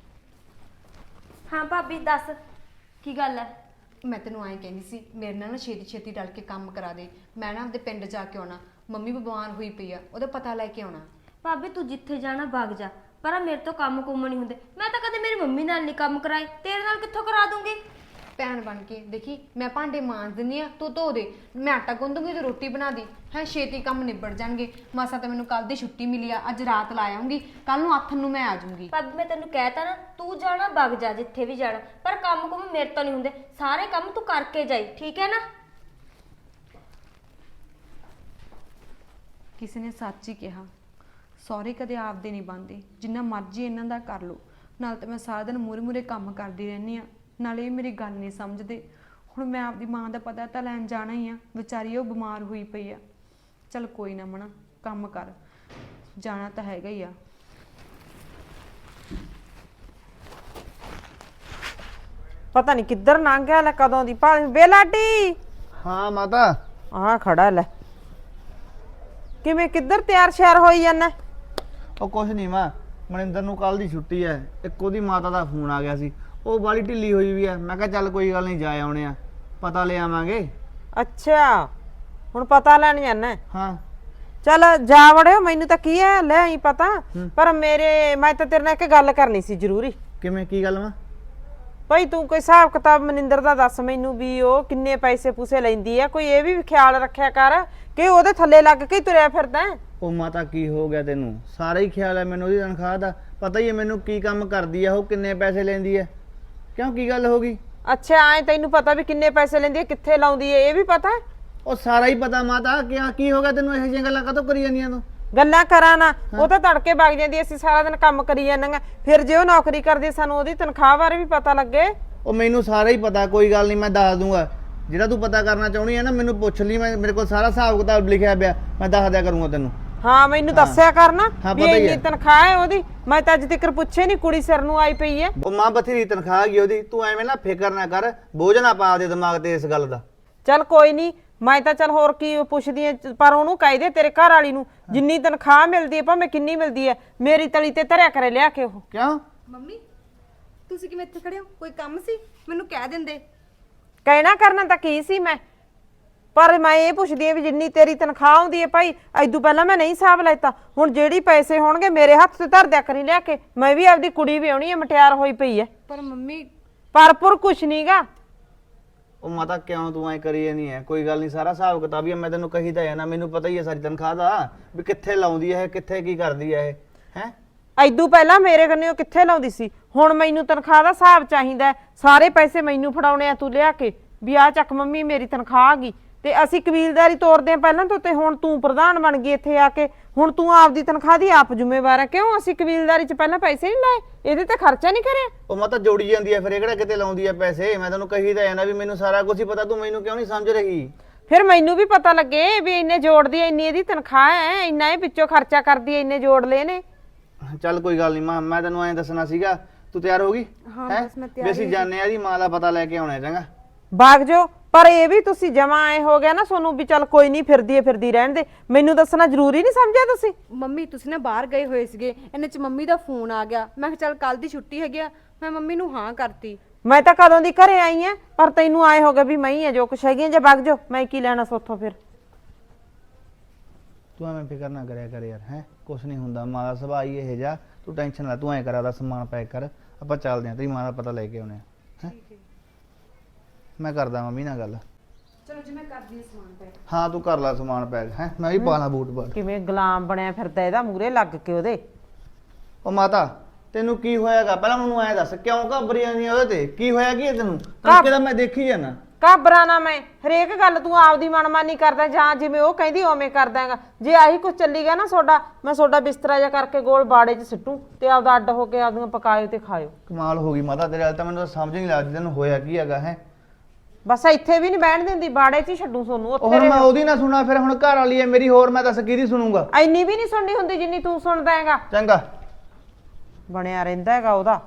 [SPEAKER 4] ਹਾਂ ਭਾਬੀ ਦੱਸ ਕੀ ਗੱਲ ਹੈ
[SPEAKER 2] ਮੈਂ ਤੈਨੂੰ ਐਂ ਕਹਿੰਦੀ ਸੀ ਮੇਰੇ ਨਾਲ ਨਾ ਛੇਤੀ ਛੇਤੀ ਰਲ ਕੇ ਕੰਮ ਕਰਾ ਦੇ ਮੈਂ ਨਾ ਆਪਦੇ ਪਿੰਡ ਜਾ ਕੇ ਆਉਣਾ ਮੰਮੀ ਬਿਮਾਰ ਹੋਈ ਪਈ ਆ ਉਹਦਾ ਪਤਾ ਲੈ ਕੇ ਆਉਣਾ
[SPEAKER 4] ਭਾਬੀ ਤੂੰ ਜਿੱਥੇ ਜਾਣਾ ਵਗ ਜਾ ਪਰ ਆਹ ਮੇਰੇ ਤੋਂ ਕੰਮ ਕੁੰਮ ਨਹੀਂ ਹੁੰਦੇ ਮੈਂ ਤਾਂ ਕਦੇ ਮੇਰੀ ਮੰਮੀ ਨਾਲ ਨਹੀਂ ਕੰਮ ਕਰਾਏ ਤੇਰੇ ਨਾਲ ਕਿੱਥੋਂ ਕਰਾ ਦੂੰਗੀ
[SPEAKER 2] ਭੈਣ ਬਣ ਕੇ ਦੇਖੀ ਮੈਂ ਭਾਂਡੇ ਮਾਂਜ ਦਿੰਦੀ ਆ ਤੂੰ ਧੋ ਦੇ ਮੈਂ ਆਟਾ ਗੁੰਦੂਗੀ ਤੇ ਰੋਟੀ ਬਣਾ ਦੀ ਹੈ ਛੇਤੀ ਕੰਮ ਨਿਬੜ ਜਾਣਗੇ ਮਾਸਾ ਤਾਂ ਮੈਨੂੰ ਕੱਲ ਦੀ ਛੁੱਟੀ ਮਿਲੀ ਆ ਅੱਜ ਰਾਤ ਲਾ ਆਉਂਗੀ ਕੱਲ ਨੂੰ ਆਥਣ ਨੂੰ ਮੈਂ ਆ ਜਾਊਂਗੀ
[SPEAKER 4] ਭਾਬੀ ਮੈਂ ਤੈਨੂੰ ਕਹਿਤਾ ਨਾ ਤੂੰ ਜਾਣਾ ਵਗ ਜਾ ਜਿੱਥੇ ਵੀ ਜਾਣਾ ਪਰ ਕੰਮ ਕੁੰਮ ਮੇਰੇ ਤੋਂ ਨਹੀਂ ਹੁੰਦੇ ਸਾਰੇ ਕੰਮ ਤੂੰ ਕਰਕੇ ਜਾਈ ਠੀਕ ਹੈ ਨਾ
[SPEAKER 2] ਕਿਸੇ ਨੇ ਸੱਚ ਹੀ ਕਿਹਾ ਸਹੁਰੇ ਕਦੇ ਆਪਦੇ ਨਹੀਂ ਬਣਦੇ ਜਿੰਨਾ ਮਰਜ਼ੀ ਇਹਨਾਂ ਦਾ ਕਰ ਲਓ ਨਾਲ ਤਾਂ ਮੈਂ ਸਾਰਾ ਦਿਨ ਮੂਰੇ ਮੂਰੇ ਕੰਮ ਕਰਦੀ ਰਹਿੰਦੀ ਆ ਨਾਲੇ ਇਹ ਮੇਰੀ ਗੱਲ ਨਹੀਂ ਸਮਝਦੇ ਹੁਣ ਮੈਂ ਆਪਦੀ ਮਾਂ ਦਾ ਪਤਾ ਤਾਂ ਲੈਣ ਜਾਣਾ ਹੀ ਆ ਵਿਚਾਰੀ ਉਹ ਬਿਮਾਰ ਹੋਈ ਪਈ ਆ ਚਲ ਕੋਈ ਨਾ ਮਣਾ ਕੰਮ ਕਰ ਜਾਣਾ ਤਾਂ ਹੈਗਾ ਹੀ ਆ
[SPEAKER 1] ਪਤਾ ਨਹੀਂ ਕਿੱਧਰ ਲੰਘ ਗਿਆ ਲੈ ਕਦੋਂ ਦੀ ਭਾਲ ਬੇਲਾਡੀ
[SPEAKER 5] ਹਾਂ ਮਾਤਾ
[SPEAKER 1] ਆਹ ਖੜਾ ਲੈ ਕਿਵੇਂ ਕਿੱਧਰ ਤਿਆਰ ਸ਼ਿਆਰ ਹੋਈ ਜਾਂਦਾ
[SPEAKER 5] ਉਹ ਕੁਛ ਨਹੀਂ ਮਾਂ ਮਨਿੰਦਰ ਨੂੰ ਕੱਲ ਦੀ ਛੁੱਟੀ ਐ ਇੱਕ ਉਹਦੀ ਮਾਤਾ ਦਾ ਫੋਨ ਆ ਗਿਆ ਸੀ ਉਹ ਬਾਲੀ ਢਿੱਲੀ ਹੋਈ ਵੀ ਐ ਮੈਂ ਕਿਹਾ ਚੱਲ ਕੋਈ ਗੱਲ ਨਹੀਂ ਜਾ ਆਉਣੇ ਆ ਪਤਾ ਲੈ ਆਵਾਂਗੇ
[SPEAKER 1] ਅੱਛਾ ਹੁਣ ਪਤਾ ਲੈਣ ਜਾਣਾ
[SPEAKER 5] ਹਾਂ
[SPEAKER 1] ਚੱਲ ਜਾ ਵੜਿਓ ਮੈਨੂੰ ਤਾਂ ਕੀ ਹੈ ਲੈ ਆਈ ਪਤਾ ਪਰ ਮੇਰੇ ਮੈਂ ਤਾਂ ਤੇਰੇ ਨਾਲ ਇੱਕ ਗੱਲ ਕਰਨੀ ਸੀ ਜ਼ਰੂਰੀ
[SPEAKER 5] ਕਿਵੇਂ ਕੀ ਗੱਲ ਮਾਂ
[SPEAKER 1] ਭਾਈ ਤੂੰ ਕੋਈ ਹਿਸਾਬ ਕਿਤਾਬ ਮਨਿੰਦਰ ਦਾ ਦੱਸ ਮੈਨੂੰ ਵੀ ਉਹ ਕਿੰਨੇ ਪੈਸੇ ਪੂਸੇ ਲੈਂਦੀ ਆ ਕੋਈ ਇਹ ਵੀ ਖਿਆਲ ਰੱਖਿਆ ਕਰ ਕਿ ਉਹਦੇ ਥੱਲੇ ਲੱਗ ਕੇ ਹੀ ਤੁਰਿਆ ਫਿਰਦਾ
[SPEAKER 5] ਉਹ ਮਾਤਾ ਕੀ ਹੋ ਗਿਆ ਤੈਨੂੰ ਸਾਰਾ ਹੀ ਖਿਆਲ ਹੈ ਮੈਨੂੰ ਉਹਦੀ ਤਨਖਾਹ ਦਾ ਪਤਾ ਹੀ ਹੈ ਮੈਨੂੰ ਕੀ ਕੰਮ ਕਰਦੀ ਆ ਉਹ ਕਿੰਨੇ ਪੈਸੇ ਲੈਂਦੀ ਹੈ ਕਿਉਂ ਕੀ ਗੱਲ ਹੋ ਗਈ
[SPEAKER 1] ਅੱਛਾ ਐ ਤੈਨੂੰ ਪਤਾ ਵੀ ਕਿੰਨੇ ਪੈਸੇ ਲੈਂਦੀ ਹੈ ਕਿੱਥੇ ਲਾਉਂਦੀ ਹੈ ਇਹ ਵੀ ਪਤਾ ਹੈ?
[SPEAKER 5] ਉਹ ਸਾਰਾ ਹੀ ਪਤਾ ਮਾਤਾ ਕੀ ਕੀ ਹੋ ਗਿਆ ਤੈਨੂੰ ਇਹੋ ਜਿਹੀਆਂ ਗੱਲਾਂ ਕਾਹਤੋਂ ਕਰੀ ਜਾਂਦੀਆਂ ਤੂੰ?
[SPEAKER 1] ਗੱਲਾਂ ਕਰਾਂ ਨਾ ਉਹ ਤਾਂ ਤੜਕੇ ਵਗ ਜਾਂਦੀ ਅਸੀਂ ਸਾਰਾ ਦਿਨ ਕੰਮ ਕਰੀ ਜਾਂਦੀਆਂ ਫਿਰ ਜੇ ਉਹ ਨੌਕਰੀ ਕਰਦੀ ਸਾਨੂੰ ਉਹਦੀ ਤਨਖਾਹ ਬਾਰੇ ਵੀ ਪਤਾ ਲੱਗੇ।
[SPEAKER 5] ਉਹ ਮੈਨੂੰ ਸਾਰਾ ਹੀ ਪਤਾ, ਕੋਈ ਗੱਲ ਨਹੀਂ, ਮੈਂ ਦੱਸ ਦੂੰਗਾ। ਜਿਹੜਾ ਤੂੰ ਪਤਾ ਕਰਨਾ ਚਾਹੁੰਦੀ ਹੈ ਨਾ ਮੈਨੂੰ ਪੁੱਛ ਲਈ, ਮੈਂ ਮੇਰੇ ਕੋਲ ਸਾਰਾ ਹਿਸਾਬ ਕਿਤਾਬ ਲਿਖਿਆ ਪਿਆ, ਮੈਂ ਦੱਸ ਦਿਆ ਕਰੂੰਗਾ ਤੈਨੂੰ।
[SPEAKER 1] ਹਾਂ ਮੈਨੂੰ ਦੱਸਿਆ ਕਰਨਾ
[SPEAKER 5] ਹਾਂ,
[SPEAKER 1] ਵੀ
[SPEAKER 5] ਪਤਾ ਹੀ
[SPEAKER 1] ਇੰਨੀ
[SPEAKER 5] ਹੈ।
[SPEAKER 1] ਤਨਖਾਹ ਹੈ ਉਹਦੀ। ਮੈਂ ਤਾਂ ਅੱਜ ਤੱਕ ਪੁੱਛੇ ਨਹੀਂ, ਕੁੜੀ ਸਿਰ ਨੂੰ ਆਈ ਪਈ ਹੈ।
[SPEAKER 5] ਉਹ ਮਾਂ ਬਥੇਰੀ ਤਨਖਾਹ ਗਈ ਉਹਦੀ, ਤੂੰ ਐਵੇਂ ਨਾ ਫਿਕਰ ਨਾ ਕਰ, ਬੋਝ ਨਾ ਪਾ ਦੇ ਦਿਮਾਗ ਤੇ ਇਸ ਗੱਲ ਦਾ।
[SPEAKER 1] ਚੱਲ ਕੋਈ ਨਹੀਂ, ਮੈਂ ਤਾਂ ਚੱਲ ਹੋਰ ਕੀ ਪੁੱਛਦੀ ਐ, ਪਰ ਉਹਨੂੰ ਕਹਿ ਦੇ ਤੇਰੇ ਘਰ ਵਾਲੀ ਨੂੰ ਜਿੰਨੀ ਤਨਖਾਹ ਮਿਲਦੀ ਹੈ ਭਾਵੇਂ ਕਿੰਨੀ ਮਿਲਦੀ ਹੈ ਮੇਰੀ ਤਲੀ ਤੇ ਧਰਿਆ ਕਰੇ ਲਿਆ ਕੇ ਉਹ।
[SPEAKER 5] ਕਿਉਂ?
[SPEAKER 2] ਮੰਮੀ ਤੁਸੀਂ ਕਿਵੇਂ ਇੱਥੇ ਖੜੇ ਹੋ? ਕੋਈ ਕੰਮ ਸੀ? ਮੈਨੂੰ ਕਹਿ ਦਿੰਦੇ।
[SPEAKER 1] ਕਹਿਣਾ ਕਰਨਾ ਤਾਂ ਕੀ ਸੀ ਮੈਂ, ਪਰ ਮੈਂ ਇਹ ਪੁੱਛਦੀ ਆ ਵੀ ਜਿੰਨੀ ਤੇਰੀ ਤਨਖਾਹ ਆਉਂਦੀ ਹੈ ਭਾਈ ਐਦੋਂ ਪਹਿਲਾਂ ਮੈਂ ਨਹੀਂ ਹਿਸਾਬ ਲੈਤਾ, ਹੁਣ ਜਿਹੜੀ ਪੈਸੇ ਹੋਣਗੇ ਮੇਰੇ ਹੱਥ ਤੇ ਧਰ ਦਿਆ ਕਰੀ ਲਿਆ ਕੇ। ਮੈਂ ਵੀ ਆਪਦੀ ਕੁੜੀ ਵਿਆਹਣੀ ਹੈ, ਮਟਿਆਰ ਹੋਈ ਪਈ ਹੈ।
[SPEAKER 2] ਪਰ ਮੰਮੀ
[SPEAKER 1] ਪਰਪੁਰ ਕੁਛ ਨਹੀਂਗਾ।
[SPEAKER 5] ਉਹ ਮਾਤਾ ਕਿਉਂ ਤੂੰ ਐ ਕਰੀ ਜਾਨੀ ਹੈ? ਕੋਈ ਗੱਲ ਨਹੀਂ, ਸਾਰਾ ਹਿਸਾਬ ਕਿਤਾਬ ਹੀ ਮੈਂ ਤੈਨੂੰ ਕਹੀ ਤਾਂ ਹੈ ਨਾ, ਮੈਨੂੰ ਪਤਾ ਹੀ ਹੈ ਸਾਰੀ ਤਨਖਾਹ ਦਾ ਵੀ ਕਿੱਥੇ ਲਾਉਂਦੀ ਹੈ, ਕਿੱਥੇ ਕੀ ਕਰਦੀ ਹੈ ਇਹ ਹੈ।
[SPEAKER 1] ਐਦੋਂ ਪਹਿਲਾਂ ਮੇਰੇ ਕੰਨਿਓ ਕਿੱਥੇ ਲਾਉਂਦੀ ਸੀ, ਹੁਣ ਮੈਨੂੰ ਤਨਖਾਹ ਦਾ ਹਿਸਾਬ ਚਾਹੀਦਾ। ਸਾਰੇ ਪੈਸੇ ਮੈਨੂੰ ਫੜਾਉਣੇ ਆ ਤੂੰ ਲਿਆ ਕੇ ਵੀ ਆ ਚੱਕ ਮੰਮੀ ਮੇਰੀ ਤਨਖਾਹ ਆ ਗਈ। ਤੇ ਅਸੀਂ ਕਬੀਲਦਾਰੀ ਤੋਰਦੇ ਆ ਪਹਿਲਾਂ ਤੋਂ, ਤੇ ਹੁਣ ਤੂੰ ਪ੍ਰਧਾਨ ਬਣ ਗਈ ਇੱਥੇ ਆ ਕੇ, ਹੁਣ ਤੂੰ ਆਪਦੀ ਤਨਖਾਹ ਦੀ ਆਪ ਜ਼ਿੰਮੇਵਾਰ ਹੈ। ਕਿਉਂ ਅਸੀਂ ਕਬੀਲਦਾਰੀ 'ਚ ਪਹਿਲਾਂ ਪੈਸੇ ਨਹੀਂ ਲਾਏ, ਇਹਦੇ ਤੇ ਖਰਚਾ ਨਹੀਂ ਕਰਿਆ?
[SPEAKER 5] ਉਹ ਮਾਤਾ ਜੋੜੀ ਜਾਂਦੀ ਹੈ ਫਿਰ, ਇਹ ਕਿਹੜਾ ਕਿਤੇ ਲਾਉਂਦੀ ਹੈ ਪੈਸੇ। ਮੈਂ ਤੈਨੂੰ ਕਹੀ ਤਾਂ ਹੈ ਨਾ ਵੀ ਮੈਨੂੰ ਸਾਰਾ ਕੁਝ ਹੀ ਪਤਾ, ਤੂੰ ਮੈਨੂੰ ਕਿਉਂ ਨਹੀਂ ਸਮਝ ਰਹੀ?
[SPEAKER 1] ਫਿਰ ਮੈਨੂੰ ਵੀ ਪਤਾ ਲੱਗੇ ਵੀ ਇੰਨੇ ਜੋੜਦੀ ਐ, ਇੰਨੀ ਇਹਦੀ ਤਨਖਾਹ ਹੈ, ਇੰਨਾ ਇਹ ਵਿੱਚੋਂ ਖਰਚਾ ਕਰਦੀ ਐ, ਇੰਨੇ ਜੋੜ ਲਏ ਨੇ।
[SPEAKER 5] ਚੱਲ ਕੋਈ ਗੱਲ ਨਹੀਂ ਮਾਂ, ਮੈਂ ਤੈਨੂੰ ਐਂ ਦੱਸਣਾ ਸੀਗਾ। ਤੂੰ ਤਿਆਰ ਹੋ ਗਈ?
[SPEAKER 2] ਹਾਂ,
[SPEAKER 5] ਹੈਂ?
[SPEAKER 2] ਬਸ ਮੈਂ ਤਿਆਰ
[SPEAKER 5] ਵੀ ਅਸੀਂ ਜਾਣੇ ਆ ਦੀ ਮਾਂ ਦਾ ਪਤਾ ਲੈ ਕੇ ਆਉਣਾ ਚੰਗਾ।
[SPEAKER 1] ਬਾਗ ਜੋ, ਪਰ ਇਹ ਵੀ ਤੁਸੀਂ ਜਮਾ ਐ ਹੋ ਗਿਆ ਨਾ ਸੋਨੂੰ ਵੀ ਚੱਲ ਕੋਈ ਨਹੀਂ ਫਿਰਦੀ ਐ ਫਿਰਦੀ ਰਹਿਣ ਦੇ, ਮੈਨੂੰ ਦੱਸਣਾ ਜ਼ਰੂਰੀ ਨਹੀਂ ਸਮਝਿਆ ਤੁਸੀਂ?
[SPEAKER 2] ਮੰਮੀ ਤੁਸੀਂ ਨਾ ਬਾਹਰ ਗਏ ਹੋਏ ਸੀਗੇ, ਇਹਨੇ ਚ ਮੰਮੀ ਦਾ ਫੋਨ ਆ ਗਿਆ। ਮੈਂ ਕਿਹਾ ਚੱਲ ਕੱਲ ਦੀ ਛੁੱਟੀ ਹੈਗੀ ਆ, ਮੈਂ ਮੰਮੀ ਨੂੰ ਹਾਂ ਕਰਤੀ।
[SPEAKER 1] ਮੈਂ ਤਾਂ ਕਦੋਂ ਦੀ ਘਰੇ ਆਈ ਆ, ਪਰ ਤੈਨੂੰ ਆਏ ਹੋ ਗਿਆ ਵੀ ਮੈਂ ਹੀ ਆ ਜੋ ਕੁਛ ਹੈਗੀ ਆ। ਜੇ ਵਗ ਜੋ, ਮੈਂ ਕੀ ਲੈਣਾ ਸੋਥੋਂ ਫਿਰ।
[SPEAKER 5] ਤੂੰ ਐਵੇਂ ਫਿਕਰ ਨਾ ਕਰਿਆ ਕਰ ਯਾਰ, ਹੈ ਕੁਛ ਨਹੀਂ ਹੁੰਦਾ, ਮਾਂ ਦਾ ਸੁਭਾਅ ਹੀ ਇਹ ਜਾ। ਤੂੰ ਟੈਨਸ਼ਨ ਲੈ, ਤੂੰ ਐਂ ਕਰਾ ਦਾ ਸਮਾਨ ਪੈਕ ਕਰ, ਆਪਾਂ ਚੱਲਦੇ ਆਂ, ਤੇਰੀ ਮਾਂ ਦਾ ਪਤਾ ਲੈ ਕੇ ਆਉਣੇ ਆ। ਹੈ ਮੈਂ ਕਰਦਾ ਮੰਮੀ ਨਾਲ ਗੱਲ।
[SPEAKER 2] ਚਲੋ ਜੀ ਮੈਂ ਕਰਦੀ ਹਾਂ ਸਮਾਨ ਪੈਕ।
[SPEAKER 5] ਹਾਂ ਤੂੰ ਕਰ ਲੈ ਸਮਾਨ ਪੈਕ, ਹੈ ਮੈਂ ਵੀ ਪਾ ਲਾਂ ਬੂਟ ਬਾਟ।
[SPEAKER 1] ਕਿਵੇਂ ਗੁਲਾਮ ਬਣਿਆ ਫਿਰਦਾ ਇਹਦਾ ਮੂਰੇ ਲੱਗ ਕੇ ਉਹਦੇ।
[SPEAKER 5] ਉਹ ਮਾਤਾ ਤੈਨੂੰ ਕੀ ਹੋਇਆਗਾ? ਪਹਿਲਾਂ ਮੈਨੂੰ ਐਂ ਦੱਸ, ਕਿਉਂ ਘਬਰੀ ਜਾਂਦੀ ਆ ਉਹਦੇ ਤੇ? ਕੀ ਹੋਇਆ ਕੀ ਹੈ ਤੈਨੂੰ? ਤੜਕੇ ਦਾ ਮੈਂ ਦੇਖੀ ਜਾਣਾ।
[SPEAKER 1] ਘਬਰਾ ਨਾ, ਮੈਂ ਹਰੇਕ ਗੱਲ ਤੂੰ ਆਪਦੀ ਮਨਮਾਨੀ ਕਰਦਾ, ਜਾਂ ਜਿਵੇਂ ਉਹ ਕਹਿੰਦੀ ਉਵੇਂ ਕਰਦਾਗਾ। ਜੇ ਆਹੀ ਕੁਝ ਚੱਲੀ ਗਿਆ ਨਾ ਤੁਹਾਡਾ, ਮੈਂ ਤੁਹਾਡਾ ਬਿਸਤਰਾ ਜਿਹਾ ਕਰਕੇ ਗੋਲ ਬਾੜੇ 'ਚ ਸਿੱਟੂ ਤੇ ਆਪਦਾ ਅੱਡ ਹੋ ਕੇ ਆਪਦੀਆਂ ਪਕਾਇਓ ਤੇ ਖਾਇਓ।
[SPEAKER 5] ਕਮਾਲ ਹੋ ਗਈ ਮਾਤਾ ਤੇਰੇ ਨਾਲ ਤਾਂ, ਮੈਨੂੰ ਤਾਂ ਸਮਝ ਨਹੀਂ ਲੱਗਦੀ ਤੈਨੂੰ ਹੋਇਆ ਕੀ ਹੈਗਾ। ਹੈ
[SPEAKER 1] ਬਸ ਇੱਥੇ ਵੀ ਨਹੀਂ ਬਹਿਣ ਦਿੰਦੀ, ਬਾੜੇ 'ਚ ਹੀ ਛੱਡੂ ਸੋਨੂੰ
[SPEAKER 5] ਉਹ
[SPEAKER 1] ਉੱਥੇ
[SPEAKER 5] ਹੁਣ ਮੈਂ
[SPEAKER 1] ਰਹੋ।
[SPEAKER 5] ਉਹਦੀ ਨਾ ਸੁਣਾ, ਫਿਰ ਹੁਣ ਘਰ ਵਾਲੀ ਹੈ ਮੇਰੀ, ਹੋਰ ਮੈਂ ਦੱਸ ਕਿਹਦੀ ਸੁਣੂਗਾ?
[SPEAKER 1] ਐਨੀ ਵੀ ਨਹੀਂ ਸੁਣਨੀ ਹੁੰਦੀ ਜਿੰਨੀ ਤੂੰ ਸੁਣਦਾ ਹੈਗਾ।
[SPEAKER 5] ਚੰਗਾ
[SPEAKER 1] ਬਣਿਆ ਰਹਿੰਦਾ ਹੈਗਾ ਉਹਦਾ।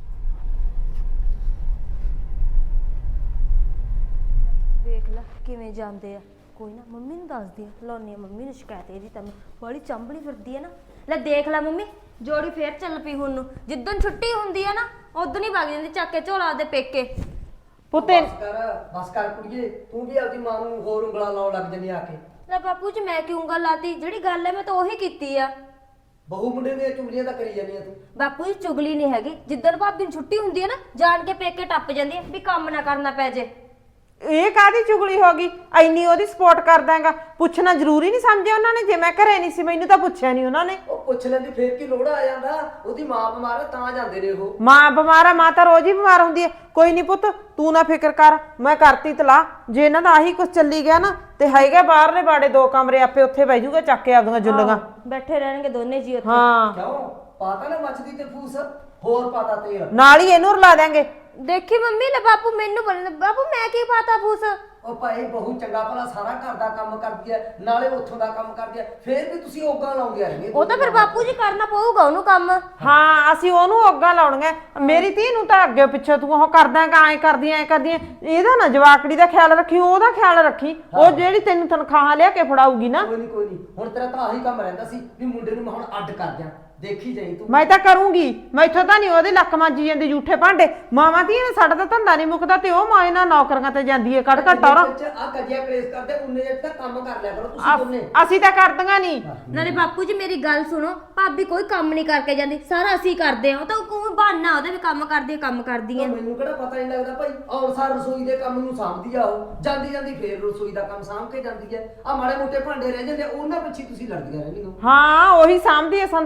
[SPEAKER 4] ਵੇਖ ਲੈ ਕਿਵੇਂ ਜਾਂਦੇ ਆ। ਕੋਈ ਨਾ ਮੰਮੀ ਨੂੰ ਦੱਸਦੀ ਆ, ਲਾਉਣੀ ਆ ਮੰਮੀ ਨੂੰ ਸ਼ਿਕਾਇਤ ਇਹਦੀ। ਤਾਂ ਬੜੀ ਚੰਬਲੀ ਫਿਰਦੀ ਆ ਨਾ। ਲੈ ਦੇਖ ਲੈ ਮੰਮੀ, ਜੋੜੀ ਫੇਰ ਚੱਲ ਪਈ ਹੁਣ ਨੂੰ। ਜਿੱਦਣ ਛੁੱਟੀ ਹੁੰਦੀ ਆ ਨਾ ਉਦੋਂ ਹੀ ਵਗ ਜਾਂਦੀ ਚੱਕ ਕੇ ਝੋਲਾ ਦੇ ਪੇਕੇ।
[SPEAKER 1] ਪੁੱਤੇ
[SPEAKER 3] ਬਸ ਕਰ ਬਸ ਕਰ ਕੁੜੀਏ, ਤੂੰ ਵੀ ਆਪਦੀ ਮਾਂ ਨੂੰ ਹੋਰ ਉਂਗਲਾਂ ਲਾਉਣ ਲੱਗ ਜੰਨੀ ਆ ਕੇ।
[SPEAKER 4] ਲੈ ਬਾਪੂ ਜੀ ਮੈਂ ਕਿਉਂ ਗੱਲ ਲਾਤੀ? ਜਿਹੜੀ ਗੱਲ ਹੈ ਮੈਂ ਤਾਂ ਉਹੀ ਕੀਤੀ ਆ।
[SPEAKER 3] ਬਹੂ ਮੁੰਡੇ ਦੀਆਂ ਚੁਗਲੀਆਂ ਤਾਂ ਕਰੀ ਜਾਂਦੀ ਆ ਤੂੰ।
[SPEAKER 4] ਬਾਪੂ ਜੀ ਚੁਗਲੀ ਨਹੀਂ ਹੈਗੀ, ਜਿੱਦਣ ਭਾਬੀ ਨੂੰ ਛੁੱਟੀ ਹੁੰਦੀ ਹੈ ਨਾ ਜਾਣ ਕੇ ਪੇਕੇ ਟੱਪ ਜਾਂਦੀ ਹੈ ਵੀ ਕੰਮ ਨਾ ਕਰਨਾ ਪੈ ਜੇ।
[SPEAKER 1] ਇਹ ਕਾਹਦੀ ਚੁਗਲੀ ਹੋ ਗਈ? ਐਨੀ ਉਹਦੀ ਸਪੋਰਟ ਕਰਦਾ ਹੈਗਾ, ਪੁੱਛਣਾ ਜ਼ਰੂਰੀ ਨਹੀਂ ਸਮਝਿਆ ਉਹਨਾਂ ਨੇ? ਜੇ ਮੈਂ ਘਰੇ ਨਹੀਂ ਸੀ ਮੈਨੂੰ ਤਾਂ ਪੁੱਛਿਆ ਨਹੀਂ ਉਹਨਾਂ ਨੇ।
[SPEAKER 3] ਉਹ ਪੁੱਛ ਲੈਂਦੀ ਫੇਰ ਕੀ ਲੋੜ ਆ ਜਾਂਦਾ? ਉਹਦੀ ਮਾਂ ਬਿਮਾਰ ਆ ਤਾਂ ਜਾਂਦੇ ਨੇ ਉਹ।
[SPEAKER 1] ਮਾਂ ਬਿਮਾਰ ਆ, ਮਾਂ ਤਾਂ ਰੋਜ਼ ਹੀ ਬਿਮਾਰ ਹੁੰਦੀ ਹੈ। ਕੋਈ ਨਹੀਂ ਪੁੱਤ ਤੂੰ ਨਾ ਫਿਕਰ ਕਰ, ਮੈਂ ਕਰਤੀ ਤਲਾ। ਜੇ ਇਹਨਾਂ ਦਾ ਆਹੀ ਕੁਝ ਚੱਲੀ ਗਿਆ ਨਾ ਤੇ ਹੈਗਾ ਬਾਹਰਲੇ ਬਾੜੇ ਦੋ ਕਮਰੇ, ਆਪੇ ਉੱਥੇ ਬਹਿ ਜੂਗਾ ਚੱਕ ਕੇ ਆਪਦੀਆਂ ਜੁੱਲੀਆਂ।
[SPEAKER 4] ਬੈਠੇ ਰਹਿਣਗੇ ਦੋਨੇ ਜੀ ਉੱਥੇ।
[SPEAKER 1] ਹਾਂ
[SPEAKER 3] ਕਿਉਂ ਪਾਤਾ ਨਾ ਮੱਚਦੀ ਤੇ ਫੂਸ, ਹੋਰ ਪਾਤਾ ਤੇਲ।
[SPEAKER 1] ਨਾਲ ਹੀ ਇਹਨੂੰ ਰਲਾ ਦਿਆਂਗੇ।
[SPEAKER 4] ਦੇਖੀ ਮੰਮੀ, ਲੈ ਬਾਪੂ ਮੈਨੂੰ ਬੋਲਣ ਬਾਪੂ ਮੈਂ ਕੀ ਪਾਤਾ ਫੂਸ?
[SPEAKER 3] ਉਹ ਭਾਈ ਬਹੂ ਚੰਗਾ ਭਲਾ ਸਾਰਾ ਘਰ ਦਾ ਕੰਮ ਕਰਦੀ ਐ, ਨਾਲੇ ਉੱਥੋਂ ਦਾ ਕੰਮ ਕਰਦੀ ਐ, ਫੇਰ ਵੀ ਤੁਸੀਂ ਓਗਾਂ ਲਾਉਂਦੇ ਰਹਿੰਦੇ।
[SPEAKER 4] ਉਹ ਤਾਂ ਫਿਰ ਬਾਪੂ ਜੀ ਕਰਨਾ ਪਊਗਾ ਉਹਨੂੰ ਕੰਮ।
[SPEAKER 1] ਹਾਂ ਅਸੀਂ ਉਹਨੂੰ ਅੱਗਾਂ ਲਾਉਣੀਆਂ। ਮੇਰੀ ਧੀ ਨੂੰ ਤਾਂ ਅੱਗੇ ਪਿੱਛੇ ਤੂੰ ਉਹ ਕਰਦਾ ਗਾ, ਐ ਕਰਦੀ ਐ ਕਰਦੀ ਐ। ਇਹਦਾ ਨਾ ਜਵਾਕੜੀ ਦਾ ਖਿਆਲ ਰੱਖੀ, ਉਹਦਾ ਖਿਆਲ ਰੱਖੀ। ਉਹ ਜਿਹੜੀ ਤੈਨੂੰ ਤਨਖਾਹ ਲਿਆ ਕੇ ਫੜਾਊਗੀ ਨਾ।
[SPEAKER 3] ਕੋਈ ਨਹੀਂ ਕੋਈ ਨਹੀਂ, ਹੁਣ ਤੇਰਾ ਤਾਂ ਆਹੀ ਕੰਮ ਰਹਿੰਦਾ ਸੀ ਵੀ ਮੁੰਡੇ ਨੂੰ ਮੈਂ ਹੁਣ ਅੱਡ ਕਰ ਦਿਆਂ। ਦੇਖੀ ਜਾਈ ਤੂੰ।
[SPEAKER 1] ਮੈਂ ਤਾਂ ਕਰੂੰਗੀ, ਮੈਥੋਂ ਤਾਂ ਨਹੀਂ ਉਹਦੇ ਲੱਕ ਮਾਂਜੀ ਜਾਂਦੀ ਝੂਠੇ ਭਾਂਡੇ। ਮਾਵਾਂ ਧੀਆਂ ਨੇ ਸਾਡਾ ਤਾਂ ਧੰਦਾ ਨਹੀਂ ਮੁੱਕਦਾ ਤੇ ਉਹ ਮਾਂ ਇਹਨਾਂ ਨੌਕਰੀਆਂ ਤੇ ਜਾਂਦੀ ਹੈ ਕੱਢ ਘੱਟ ਔਰ।
[SPEAKER 3] ਆ ਕਜਿਆ ਕਲੇਸ਼ ਕਰਦੇ ਉਨੇ ਜੇ ਤਾਂ ਕੰਮ ਕਰ ਲਿਆ ਕਰੋ ਤੁਸੀਂ ਦੋਨੇ।
[SPEAKER 1] ਅਸੀਂ ਤਾਂ ਕਰਦੀਆਂ ਨਹੀਂ।
[SPEAKER 4] ਨਾਲੇ ਬਾਪੂ ਜੀ ਮੇਰੀ ਗੱਲ ਸੁਣੋ, ਭਾਬੀ ਕੋਈ ਕੰਮ ਨਹੀਂ ਕਰਕੇ ਜਾਂਦੀ, ਸਾਰਾ ਅਸੀਂ ਕਰਦੇ ਆ। ਉਹ ਤਾਂ ਕੋਈ ਬਹਾਨਾ ਉਹਦਾ ਵੀ ਕੰਮ ਕਰਦੀ ਆ ਕੰਮ ਕਰਦੀ ਆ।
[SPEAKER 3] ਮੈਨੂੰ ਕਿਹੜਾ ਪਤਾ ਨਹੀਂ ਲੱਗਦਾ ਭਾਈ, ਆਉਣ ਸਾਰ ਰਸੋਈ ਦੇ ਕੰਮ ਨੂੰ ਸਾਂਭਦੀ ਆ ਉਹ, ਜਾਂਦੀ ਜਾਂਦੀ ਫੇਰ ਰਸੋਈ ਦਾ ਕੰਮ ਸਾਂਭ ਕੇ ਜਾਂਦੀ ਹੈ। ਆ ਮਾੜੇ ਮੋਟੇ ਭਾਂਡੇ ਰਹਿ ਜਾਂਦੇ ਉਹਨਾਂ ਪਿੱਛੇ ਤੁਸੀਂ ਲੜਦੀਆਂ ਰਹਿੰਦੀਆਂ।
[SPEAKER 1] ਹਾਂ ਉਹੀ ਸਾਂਭਦੀ ਐ, ਸਾਨੂੰ ਤਾਂ ਕੰਮ ਹੀ ਨਹੀਂ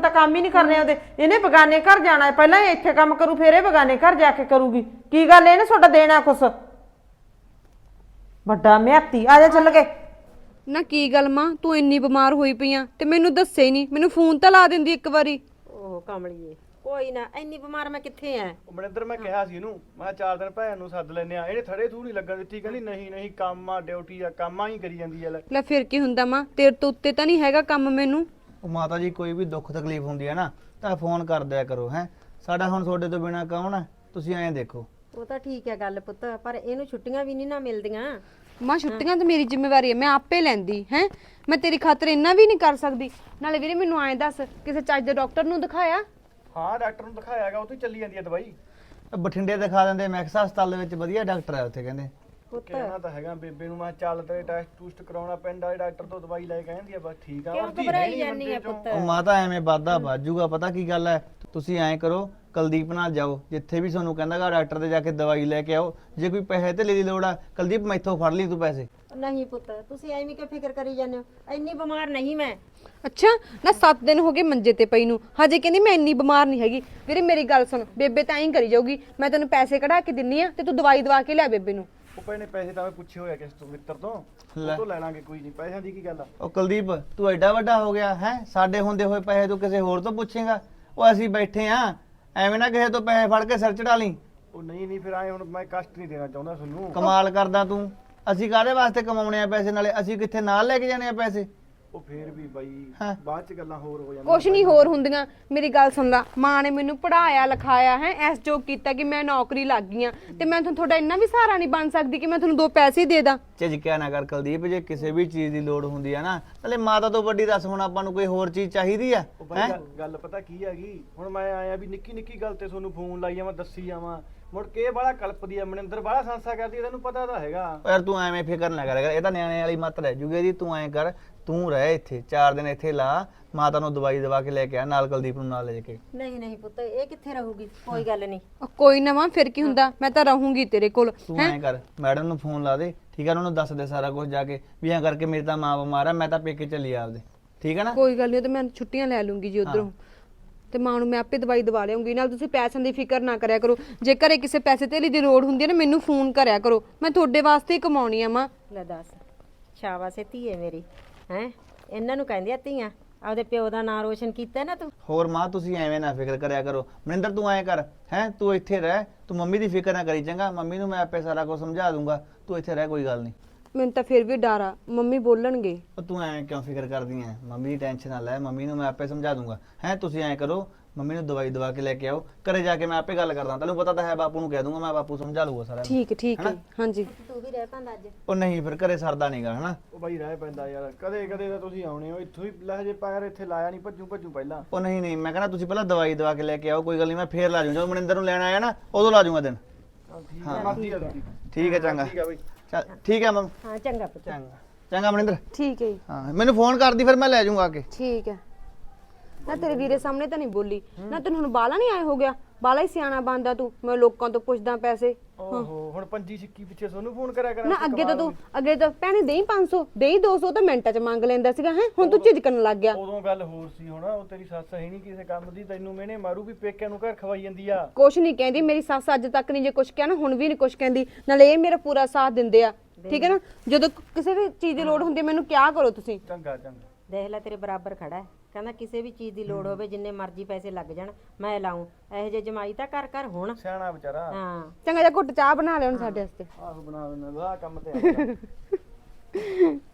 [SPEAKER 1] ਨਹੀਂ ਕਰਨੇ ਉਹਦੇ। ਇਹਨੇ ਬਗਾਨੇ ਘਰ ਜਾਣਾ ਹੈ, ਪਹਿਲਾਂ ਇਹ ਇੱਥੇ ਕੰਮ ਕਰੂ ਫਿਰ ਇਹ ਬਗਾਨੇ ਘਰ ਜਾ ਕੇ ਕਰੂਗੀ। ਕੀ ਗੱਲ ਇਹਨੇ ਤੁਹਾਡਾ ਦੇਣਾ ਕੁਛ? ਵੱਡਾ ਮਿਹਤੀ ਆ ਜਾ ਚੱਲ ਕੇ।
[SPEAKER 2] ਨਾ ਕੀ ਗੱਲ ਮਾਂ, ਤੂੰ ਇੰਨੀ ਬਿਮਾਰ ਹੋਈ ਪਈ ਆ ਤੇ ਮੈਨੂੰ ਦੱਸੇ ਹੀ ਨਹੀਂ, ਮੈਨੂੰ ਫੋਨ ਤਾਂ ਲਾ ਦਿੰਦੀ ਇੱਕ ਵਾਰੀ।
[SPEAKER 7] ਉਹ ਕਮਲੀਏ ਕੋਈ ਨਾ, ਇੰਨੀ ਬਿਮਾਰ ਮੈਂ ਕਿੱਥੇ ਐ।
[SPEAKER 5] ਉਹ ਮਨਿੰਦਰ ਮੈਂ ਕਿਹਾ ਸੀ ਇਹਨੂੰ, ਮੈਂ ਕਿਹਾ ਚਾਰ ਦਿਨ ਭੈਣ ਨੂੰ ਸੱਦ ਲੈਨੇ ਆ। ਇਹਨੇ ਥੜੇ ਥੂ ਨਹੀਂ ਲੱਗਣ ਦਿੱਤੀ, ਕਹਿੰਦੀ ਨਹੀਂ ਨਹੀਂ ਕੰਮ ਆ, ਡਿਊਟੀ ਆ, ਕੰਮਾਂ ਹੀ ਕਰੀ ਜਾਂਦੀ ਆ। ਲੈ
[SPEAKER 2] ਲੈ ਫਿਰ ਕੀ ਹੁੰਦਾ ਮਾਂ, ਤੇਰੇ ਤੋਂ ਉੱਤੇ ਤਾਂ ਨਹੀਂ ਹੈਗਾ ਕੰਮ ਮੈਨੂੰ।
[SPEAKER 5] ਉਹ ਮਾਤਾ ਜੀ ਕੋਈ ਵੀ ਦੁੱਖ ਤਕਲੀਫ ਹੁੰਦੀ ਹੈ ਨਾ ਤਾਂ ਫੋਨ ਕਰ ਦਿਆ ਕਰੋ ਹੈ। ਸਾਡਾ ਹੁਣ ਤੁਹਾਡੇ ਤੋਂ ਬਿਨਾ ਕੌਣ ਹੈ? ਤੁਸੀਂ ਐਂ ਦੇਖੋ।
[SPEAKER 7] ਉਹ ਤਾਂ ਠੀਕ ਹੈ ਗੱਲ ਪੁੱਤ, ਪਰ ਇਹਨੂੰ ਛੁੱਟੀਆਂ ਵੀ ਨਹੀਂ ਨਾ ਮਿਲਦੀਆਂ।
[SPEAKER 2] ਮਾਂ ਛੁੱਟੀਆਂ ਤਾਂ ਮੇਰੀ ਜ਼ਿੰਮੇਵਾਰੀ ਹੈ, ਮੈਂ ਆਪੇ ਲੈਂਦੀ ਹੈ। ਮੈਂ ਤੇਰੀ ਖਾਤਰ ਇੰਨਾ ਵੀ ਨਹੀਂ ਕਰ ਸਕਦੀ। ਨਾਲੇ ਵੀਰੇ ਮੈਨੂੰ ਐਂ ਦੱਸ, ਕਿਸੇ ਚੱਜ ਦੇ ਡਾਕਟਰ ਨੂੰ ਦਿਖਾਇਆ?
[SPEAKER 5] ਹਾਂ ਡਾਕਟਰ ਨੂੰ ਦਿਖਾਇਆਗਾ, ਉੱਥੇ ਚੱਲੀ ਜਾਂਦੀ ਹੈ ਦਵਾਈ। ਬਠਿੰਡੇ ਦਿਖਾ ਦਿੰਦੇ, ਮੈਕਸ ਹਸਪਤਾਲ ਦੇ ਵਿੱਚ ਵਧੀਆ ਡਾਕਟਰ ਹੈ ਉੱਥੇ ਕਹਿੰਦੇ। ਕਹਿਣਾ ਤਾਂ ਹੈਗਾ ਬੇਬੇ ਨੂੰ, ਮੈਂ ਚੱਲ ਤੇ ਟੈਸਟ ਟੂਸਟ ਕਰਾਉਣਾ ਪੈਂਦਾ, ਡਾਕਟਰ ਤੋਂ ਦਵਾਈ ਲੈ ਕੇ ਆਂਦੀ ਆ, ਬਸ ਠੀਕ ਆ।
[SPEAKER 7] ਕਿਉਂ ਘਬਰਾਈ ਜਾਂਦੀ ਹੈ ਪੁੱਤ?
[SPEAKER 5] ਉਹ ਮਾਤਾ ਐਵੇਂ ਵਾਧਾ ਬਾਜੂਗਾ, ਪਤਾ ਕੀ ਗੱਲ ਹੈ, ਤੁਸੀਂ ਐਂ ਕਰੋ ਕੁਲਦੀਪ ਨਾਲ ਜਾਓ, ਜਿੱਥੇ ਵੀ ਤੁਹਾਨੂੰ ਕਹਿੰਦਾਗਾ ਡਾਕਟਰ ਤੇ ਜਾ ਕੇ ਦਵਾਈ ਲੈ ਕੇ ਆਓ। ਜੇ ਕੋਈ ਪੈਸੇ ਤੇ ਦੀ ਲੋੜ ਆ ਕੁਲਦੀਪ ਮੈਥੋਂ ਫੜ ਲਈ ਤੂੰ ਪੈਸੇ।
[SPEAKER 7] ਨਹੀਂ ਪੁੱਤ, ਤੁਸੀਂ ਐਵੇਂ ਕਿ ਫਿਕਰ ਕਰੀ ਜਾਂਦੇ ਹੋ, ਇੰਨੀ ਬਿਮਾਰ ਨਹੀਂ ਮੈਂ।
[SPEAKER 2] ਅੱਛਾ ਨਾ ਸੱਤ ਦਿਨ ਹੋ ਗਏ ਮੰਜੇ ਤੇ ਪਈ ਨੂੰ, ਹਜੇ ਕਹਿੰਦੀ ਮੈਂ ਇੰਨੀ ਬਿਮਾਰ ਨਹੀਂ ਹੈਗੀ। ਵੀਰੇ ਮੇਰੀ ਗੱਲ ਸੁਣ, ਬੇਬੇ ਤਾਂ ਐਂ ਕਰੀ ਜਾਊਗੀ, ਮੈਂ ਤੈਨੂੰ ਪੈਸੇ ਕਢਾ ਕੇ ਦਿੰਨੀ ਆ ਤੇ ਤੂੰ ਦਵਾਈ ਦਵਾ ਕੇ ਲਿਆ ਬੇਬੇ ਨੂੰ।
[SPEAKER 5] ਉਹ ਪੈਣੇ ਪੈਸੇ ਤਾਂ ਮੈਂ ਪੁੱਛੇ ਹੋਇਆ ਕਿਸ ਤੋਂ ਮਿੱਤਰ ਤੋਂ, ਉਹ ਤੋਂ ਲੈ ਲਾਂਗੇ, ਕੋਈ ਨਹੀਂ, ਪੈਸਿਆਂ ਦੀ ਕੀ ਗੱਲ ਆ। ਉਹ ਕੁਲਦੀਪ ਤੂੰ ਐਡਾ ਵੱਡਾ ਹੋ ਗਿਆ ਹੈ, ਸਾਡੇ ਹੁੰਦੇ ਹੋਏ ਪੈਸੇ ਤੂੰ ਕਿਸੇ ਹੋਰ ਤੋਂ ਪੁੱਛੇਗਾ? ਉਹ ਅਸੀਂ ਬੈਠੇ ਆ, ਐਵੇਂ ਨਾ ਕਿਸੇ ਤੋਂ ਪੈਸੇ ਫੜ ਕੇ ਸਿਰ ਚੜਾ ਲਈ। ਉਹ ਨਹੀਂ ਨਹੀਂ ਫਿਰ ਆਏ, ਹੁਣ ਮੈਂ ਕਸ਼ਟ ਨਹੀਂ ਦੇਣਾ ਚਾਹੁੰਦਾ ਤੁਹਾਨੂੰ। ਕਮਾਲ ਕਰਦਾ ਤੂੰ, ਅਸੀਂ ਕਾਹਦੇ ਵਾਸਤੇ ਕਮਾਉਣੇ ਆ ਪੈਸੇ? ਨਾਲੇ ਅਸੀਂ ਕਿੱਥੇ ਨਾਲ ਲੈ ਕੇ ਜਾਣੇ ਆ ਪੈਸੇ? ਉਹ ਫੇਰ ਵੀ ਬਾਈ ਬਾਅਦ ਚ ਗੱਲਾਂ ਹੋਰ ਹੋ ਜਾਂਦੀਆਂ।
[SPEAKER 2] ਕੁਛ ਨਹੀਂ ਹੋਰ ਹੁੰਦੀਆਂ, ਮੇਰੀ ਗੱਲ ਸੁਣ ਲਾ। ਮਾਂ ਨੇ ਮੈਨੂੰ ਪੜਾਇਆ ਲਿਖਾਇਆ ਹੈ, ਐਸ ਜੋਗ ਕੀਤਾ ਕਿ ਮੈਂ ਨੌਕਰੀ ਲੱਗ ਗਈ ਆ, ਤੇ ਮੈਂ ਤੁਹਾਨੂੰ ਤੁਹਾਡਾ ਇੰਨਾ ਵੀ ਸਹਾਰਾ ਨਹੀਂ ਬਣ ਸਕਦੀ ਕਿ ਮੈਂ ਤੁਹਾਨੂੰ ਦੋ ਪੈਸੇ ਦੇ ਦਾਂ।
[SPEAKER 5] ਝਿਜਕਿਆ ਨਾ ਕਰ ਕੁਲਦੀਪ, ਜੇ ਕਿਸੇ ਵੀ ਚੀਜ਼ ਦੀ ਲੋੜ ਹੁੰਦੀ ਆ ਨਾ, ਨਾਲੇ ਮਾਤਾ ਤੋਂ ਵੱਡੀ ਦੱਸ ਹੁਣ ਆਪਾਂ ਨੂੰ ਕੋਈ ਹੋਰ ਚੀਜ਼ ਚਾਹੀਦੀ ਆ? ਗੱਲ ਪਤਾ ਕੀ ਹੈਗੀ, ਹੁਣ ਮੈਂ ਆਇਆ ਵੀ ਨਿੱਕੀ ਨਿੱਕੀ ਗੱਲ ਤੇ ਤੁਹਾਨੂੰ ਫੋਨ ਲਾਈ ਜਾਵਾਂ, ਦੱਸੀ ਜਾਵਾਂ, ਮੁੜ ਕੇ ਇਹ ਬੜਾ ਕਲਪਦੀ ਆ, ਮਨਿੰਦਰ ਬੜਾ ਸੰਸਾ ਕਰਦੀ, ਤੈਨੂੰ ਪਤਾ ਤਾਂ ਹੈਗਾ। ਯਾਰ ਤੂੰ ਐਵੇਂ ਫਿਕਰ ਨਾ ਕਰ, ਇਹ ਤਾਂ ਨਿਆਣੇ ਵਾਲੀ ਮੱਤ ਰਹਿ ਜੂਗੀ ਇਹਦੀ। ਤੂੰ ਐਂ ਕਰ, ਤੂੰ ਰਹਿ ਇੱਥੇ ਚਾਰ ਦਿਨ ਇੱਥੇ ਲਾ, ਮਾਤਾ ਨੂੰ ਦਵਾਈ ਦਵਾ ਕੇ ਲੈ ਕੇ ਆ, ਨਾਲ ਕੁਲਦੀਪ ਨੂੰ ਨਾਲ ਲੈ ਕੇ।
[SPEAKER 7] ਨਹੀਂ ਨਹੀਂ ਪੁੱਤ, ਇਹ ਕਿੱਥੇ ਰਹੂਗੀ? ਕੋਈ ਗੱਲ ਨਹੀਂ।
[SPEAKER 2] ਕੋਈ ਨਾ ਮਾਂ, ਫਿਰ ਕੀ ਹੁੰਦਾ, ਮੈਂ ਤਾਂ ਰਹੂੰਗੀ ਤੇਰੇ ਕੋਲ।
[SPEAKER 5] ਤੂੰ ਐਂ ਕਰ, ਮੈਡਮ ਨੂੰ ਫੋਨ ਲਾ ਦੇ, ਠੀਕ ਆ, ਉਹਨੂੰ ਦੱਸ ਦੇ ਸਾਰਾ ਕੁਝ ਜਾ ਕੇ ਵੀ ਐਂ ਕਰਕੇ ਮੇਰੀ ਤਾਂ ਮਾਂ ਬਿਮਾਰ ਆ, ਮੈਂ ਤਾਂ ਪੇਕੇ ਚੱਲੀ ਆਪਦੇ, ਠੀਕ ਆ ਨਾ?
[SPEAKER 2] ਕੋਈ ਗੱਲ ਨਹੀਂ, ਤੇ ਮੈਂ ਛੁੱਟੀਆਂ ਲੈ ਲੂੰਗੀ ਜੀ ਉਧਰੋਂ, ਤੇ ਮਾਂ ਨੂੰ ਮੈਂ ਆਪੇ ਦਵਾਈ ਦਵਾ ਲਿਆਉਂਗੀ। ਨਾਲ ਤੁਸੀਂ ਪੈਸਿਆਂ ਦੀ ਫਿਕਰ ਨਾ ਕਰਿਆ ਕਰੋ, ਜੇ ਘਰੇ ਕਿਸੇ ਪੈਸੇ ਧੇਲੀ ਦੀ ਲੋੜ ਹੁੰਦੀ ਹੈ ਨਾ ਮੈਨੂੰ ਫੋਨ ਕਰਿਆ ਕਰੋ, ਮੈਂ ਤੁਹਾਡੇ ਵਾਸਤੇ ਹੀ ਕਮਾਉਣੀ ਆ। ਮਾਂ
[SPEAKER 7] ਲੈ ਦੱਸ, ਸ਼ਾਬਾਸ਼ ਏ ਧੀਏ ਮੇਰੀ, ਹੈ ਇਹਨਾਂ ਨੂੰ ਕਹਿੰਦੇ ਆ ਧੀਆਂ। ਆਪਦੇ ਪਿਓ ਦਾ ਨਾਂ ਰੋਸ਼ਨ ਕੀਤਾ ਨਾ ਤੂੰ।
[SPEAKER 5] ਹੋਰ ਮਾਂ ਤੁਸੀਂ ਐਵੇਂ ਨਾ ਫਿਕਰ ਕਰਿਆ ਕਰੋ। ਮਨਿੰਦਰ ਤੂੰ ਐਂ ਕਰ, ਹੈ ਤੂੰ ਇੱਥੇ ਰਹਿ, ਤੂੰ ਮੰਮੀ ਦੀ ਫਿਕਰ ਨਾ ਕਰੀ, ਚੰਗਾ? ਮੰਮੀ ਨੂੰ ਮੈਂ ਆਪੇ ਸਾਰਾ ਕੁਝ ਸਮਝਾ ਦੂੰਗਾ, ਤੂੰ ਇੱਥੇ ਰਹਿ, ਕੋਈ ਗੱਲ ਨਹੀਂ।
[SPEAKER 2] ਮੈਨੂੰ ਤਾਂ ਫਿਰ ਵੀ ਡਰ ਆ, ਮੰਮੀ ਬੋਲਣਗੇ।
[SPEAKER 5] ਉਹ ਤੂੰ ਐਵੇਂ ਕਿਉਂ ਫਿਕਰ ਕਰਦੀ ਐ? ਮੰਮੀ ਦੀ ਟੈਨਸ਼ਨ ਨਾ ਲੈ, ਮੰਮੀ ਨੂੰ ਮੈਂ ਆਪੇ ਸਮਝਾ ਦੂੰਗਾ। ਹੈ ਤੁਸੀਂ ਐਂ ਕਰੋ, ਮੰਮੀ ਨੂੰ ਦਵਾਈ ਦਵਾ ਕੇ ਲੈ ਕੇ ਆਓ, ਘਰੇ ਜਾ ਕੇ ਮੈਂ ਆਪੇ ਗੱਲ ਕਰਦਾ, ਤੈਨੂੰ ਪਤਾ ਤਾਂ ਹੈ, ਬਾਪੂ ਨੂੰ ਕਹਿ ਦੂੰਗਾ ਮੈਂ, ਬਾਪੂ ਸਮਝਾ ਲੂਗਾ ਸਾਰਾ।
[SPEAKER 2] ਠੀਕ ਠੀਕ ਹੈ, ਹਾਂਜੀ।
[SPEAKER 7] ਤੂੰ ਵੀ ਰਹਿ ਪੈਂਦਾ ਅੱਜ।
[SPEAKER 5] ਉਹ ਨਹੀਂ ਫਿਰ ਘਰੇ ਸਰਦਾ ਨਹੀਂਗਾ, ਹਨਾ? ਉਹ ਬਾਈ ਰਹਿ ਪੈਂਦਾ ਯਾਰ, ਕਦੇ ਕਦੇ ਤਾਂ ਤੁਸੀਂ ਆਉਣੇ ਹੋ, ਇੱਥੋਂ ਹੀ ਲਹਜੇ ਪੈਰ ਇੱਥੇ ਲਾਇਆ ਨਹੀਂ, ਭੱਜੂ ਭੱਜੂ ਪਹਿਲਾਂ। ਉਹ ਨਹੀਂ ਨਹੀਂ, ਮੈਂ ਕਹਿੰਦਾ ਤੁਸੀਂ ਪਹਿਲਾਂ ਦਵਾਈ ਦਵਾ ਕੇ ਲੈ ਕੇ ਆਓ, ਕੋਈ ਗੱਲ ਨਹੀਂ, ਮੈਂ ਫੇਰ ਲਾ ਜੂ, ਜਦੋਂ ਮਨਿੰਦਰ ਨੂੰ ਲੈਣ ਆਇਆ ਨਾ ਉਦੋਂ ਲਾ ਜੂਗਾ ਦਿਨ। ਹਾਂ ਠੀਕ ਹੈ, ਚੰਗਾ, ਚੱਲ ਠੀਕ ਹੈ ਮੰਮ।
[SPEAKER 7] ਹਾਂ ਚੰਗਾ ਪੁੱਤ।
[SPEAKER 5] ਚੰਗਾ ਚੰਗਾ ਮਨਿੰਦਰ।
[SPEAKER 2] ਠੀਕ ਹੈ ਜੀ।
[SPEAKER 5] ਹਾਂ ਮੈਨੂੰ ਫੋਨ ਕਰਦੀ, ਫਿਰ ਮੈਂ ਲੈ ਜਾਊਂਗਾ ਆ ਕੇ।
[SPEAKER 2] ਠੀਕ ਹੈ। ਨਾ ਤੇਰੇ ਵੀਰੇ ਸਾਹਮਣੇ ਤਾਂ ਨਹੀਂ ਬੋਲੀ ਨਾ, ਤੈਨੂੰ ਹੁਣ ਬਾਲਾ ਨਹੀਂ ਆਏ ਹੋ ਗਿਆ, ਬਾਲਾ ਹੀ ਸਿਆਣਾ ਬਣਦਾ ਤੂੰ। ਮੈਂ ਲੋਕਾਂ ਤੋਂ ਪੁੱਛਦਾ ਪੈਸੇ।
[SPEAKER 5] ਓਹੋ ਹੁਣ ਪੰਜੀ ਸਿੱਕੀ ਪਿੱਛੇ ਤੁਹਾਨੂੰ ਫੋਨ ਕਰਿਆ ਕਰਾਂ।
[SPEAKER 2] ਨਾ ਅੱਗੇ ਤਾਂ ਤੂੰ ਅੱਗੇ ਤਾਂ ਭੈਣੇ ਦੇਈ ਪੰਜ ਸੌ, ਦੇਈ ਦੋ ਸੌ ਤਾਂ ਮਿੰਟਾਂ 'ਚ ਮੰਗ ਲੈਂਦਾ ਸੀਗਾ, ਹੈ ਹੁਣ ਤੂੰ ਝਿਜਕਣ ਲੱਗ ਗਿਆ।
[SPEAKER 5] ਉਦੋਂ ਗੱਲ ਹੋਰ ਸੀ, ਹੁਣ ਉਹ ਤੇਰੀ ਸੱਸ ਹੈ ਨਹੀਂ ਕਿਸੇ ਕੰਮ ਦੀ, ਤੈਨੂੰ ਮੈਨੇ ਮਾਰੂ ਵੀ ਪੇਕਿਆਂ ਨੂੰ ਘਰ ਖਵਾਈ ਜਾਂਦੀ ਆ।
[SPEAKER 2] ਕੁਛ ਨਹੀਂ ਕਹਿੰਦੀ ਮੇਰੀ ਸੱਸ, ਅੱਜ ਤੱਕ ਨਹੀਂ ਜੇ ਕੁਛ ਕਿਹਾ ਨਾ ਹੁਣ ਵੀ ਨਹੀਂ ਕੁਛ ਕਹਿੰਦੀ, ਨਾਲੇ ਇਹ ਮੇਰਾ ਪੂਰਾ ਸਾਥ ਦਿੰਦੇ ਆ, ਠੀਕ ਹੈ ਨਾ? ਜਦੋਂ ਕਿਸੇ ਵੀ ਚੀਜ਼ ਦੀ ਲੋੜ ਹੁੰਦੀ ਮੈਨੂੰ ਕਿਹਾ ਕਰੋ ਤੁਸੀਂ।
[SPEAKER 5] ਚੰਗਾ ਚੰਗਾ।
[SPEAKER 7] ਦੇਖ ਲੈ ਤੇਰੇ ਬਰਾਬਰ ਖੜਾ ਹੈ, ਕਹਿੰਦਾ ਕਿਸੇ ਵੀ ਚੀਜ਼ ਦੀ ਲੋੜ ਹੋਵੇ ਜਿੰਨੇ ਮਰਜ਼ੀ ਪੈਸੇ ਲੱਗ ਜਾਣ ਮੈਂ ਲਾਉਂ। ਇਹੋ ਜਿਹੇ ਜਮਾਈ ਤਾਂ ਕਰ ਕਰ ਹੁਣ
[SPEAKER 5] ਸਿਆਣਾ ਵਿਚਾਰਾ।
[SPEAKER 7] ਹਾਂ
[SPEAKER 2] ਚੰਗਾ ਜਿਹਾ ਘੁੱਟ ਚਾਹ ਬਣਾ ਲਿਆ ਹੁਣ ਸਾਡੇ ਵਾਸਤੇ।
[SPEAKER 5] ਆਹੋ ਬਣਾ ਦੇਣਾ, ਆਹ ਕੰਮ ਤੇ ਆ।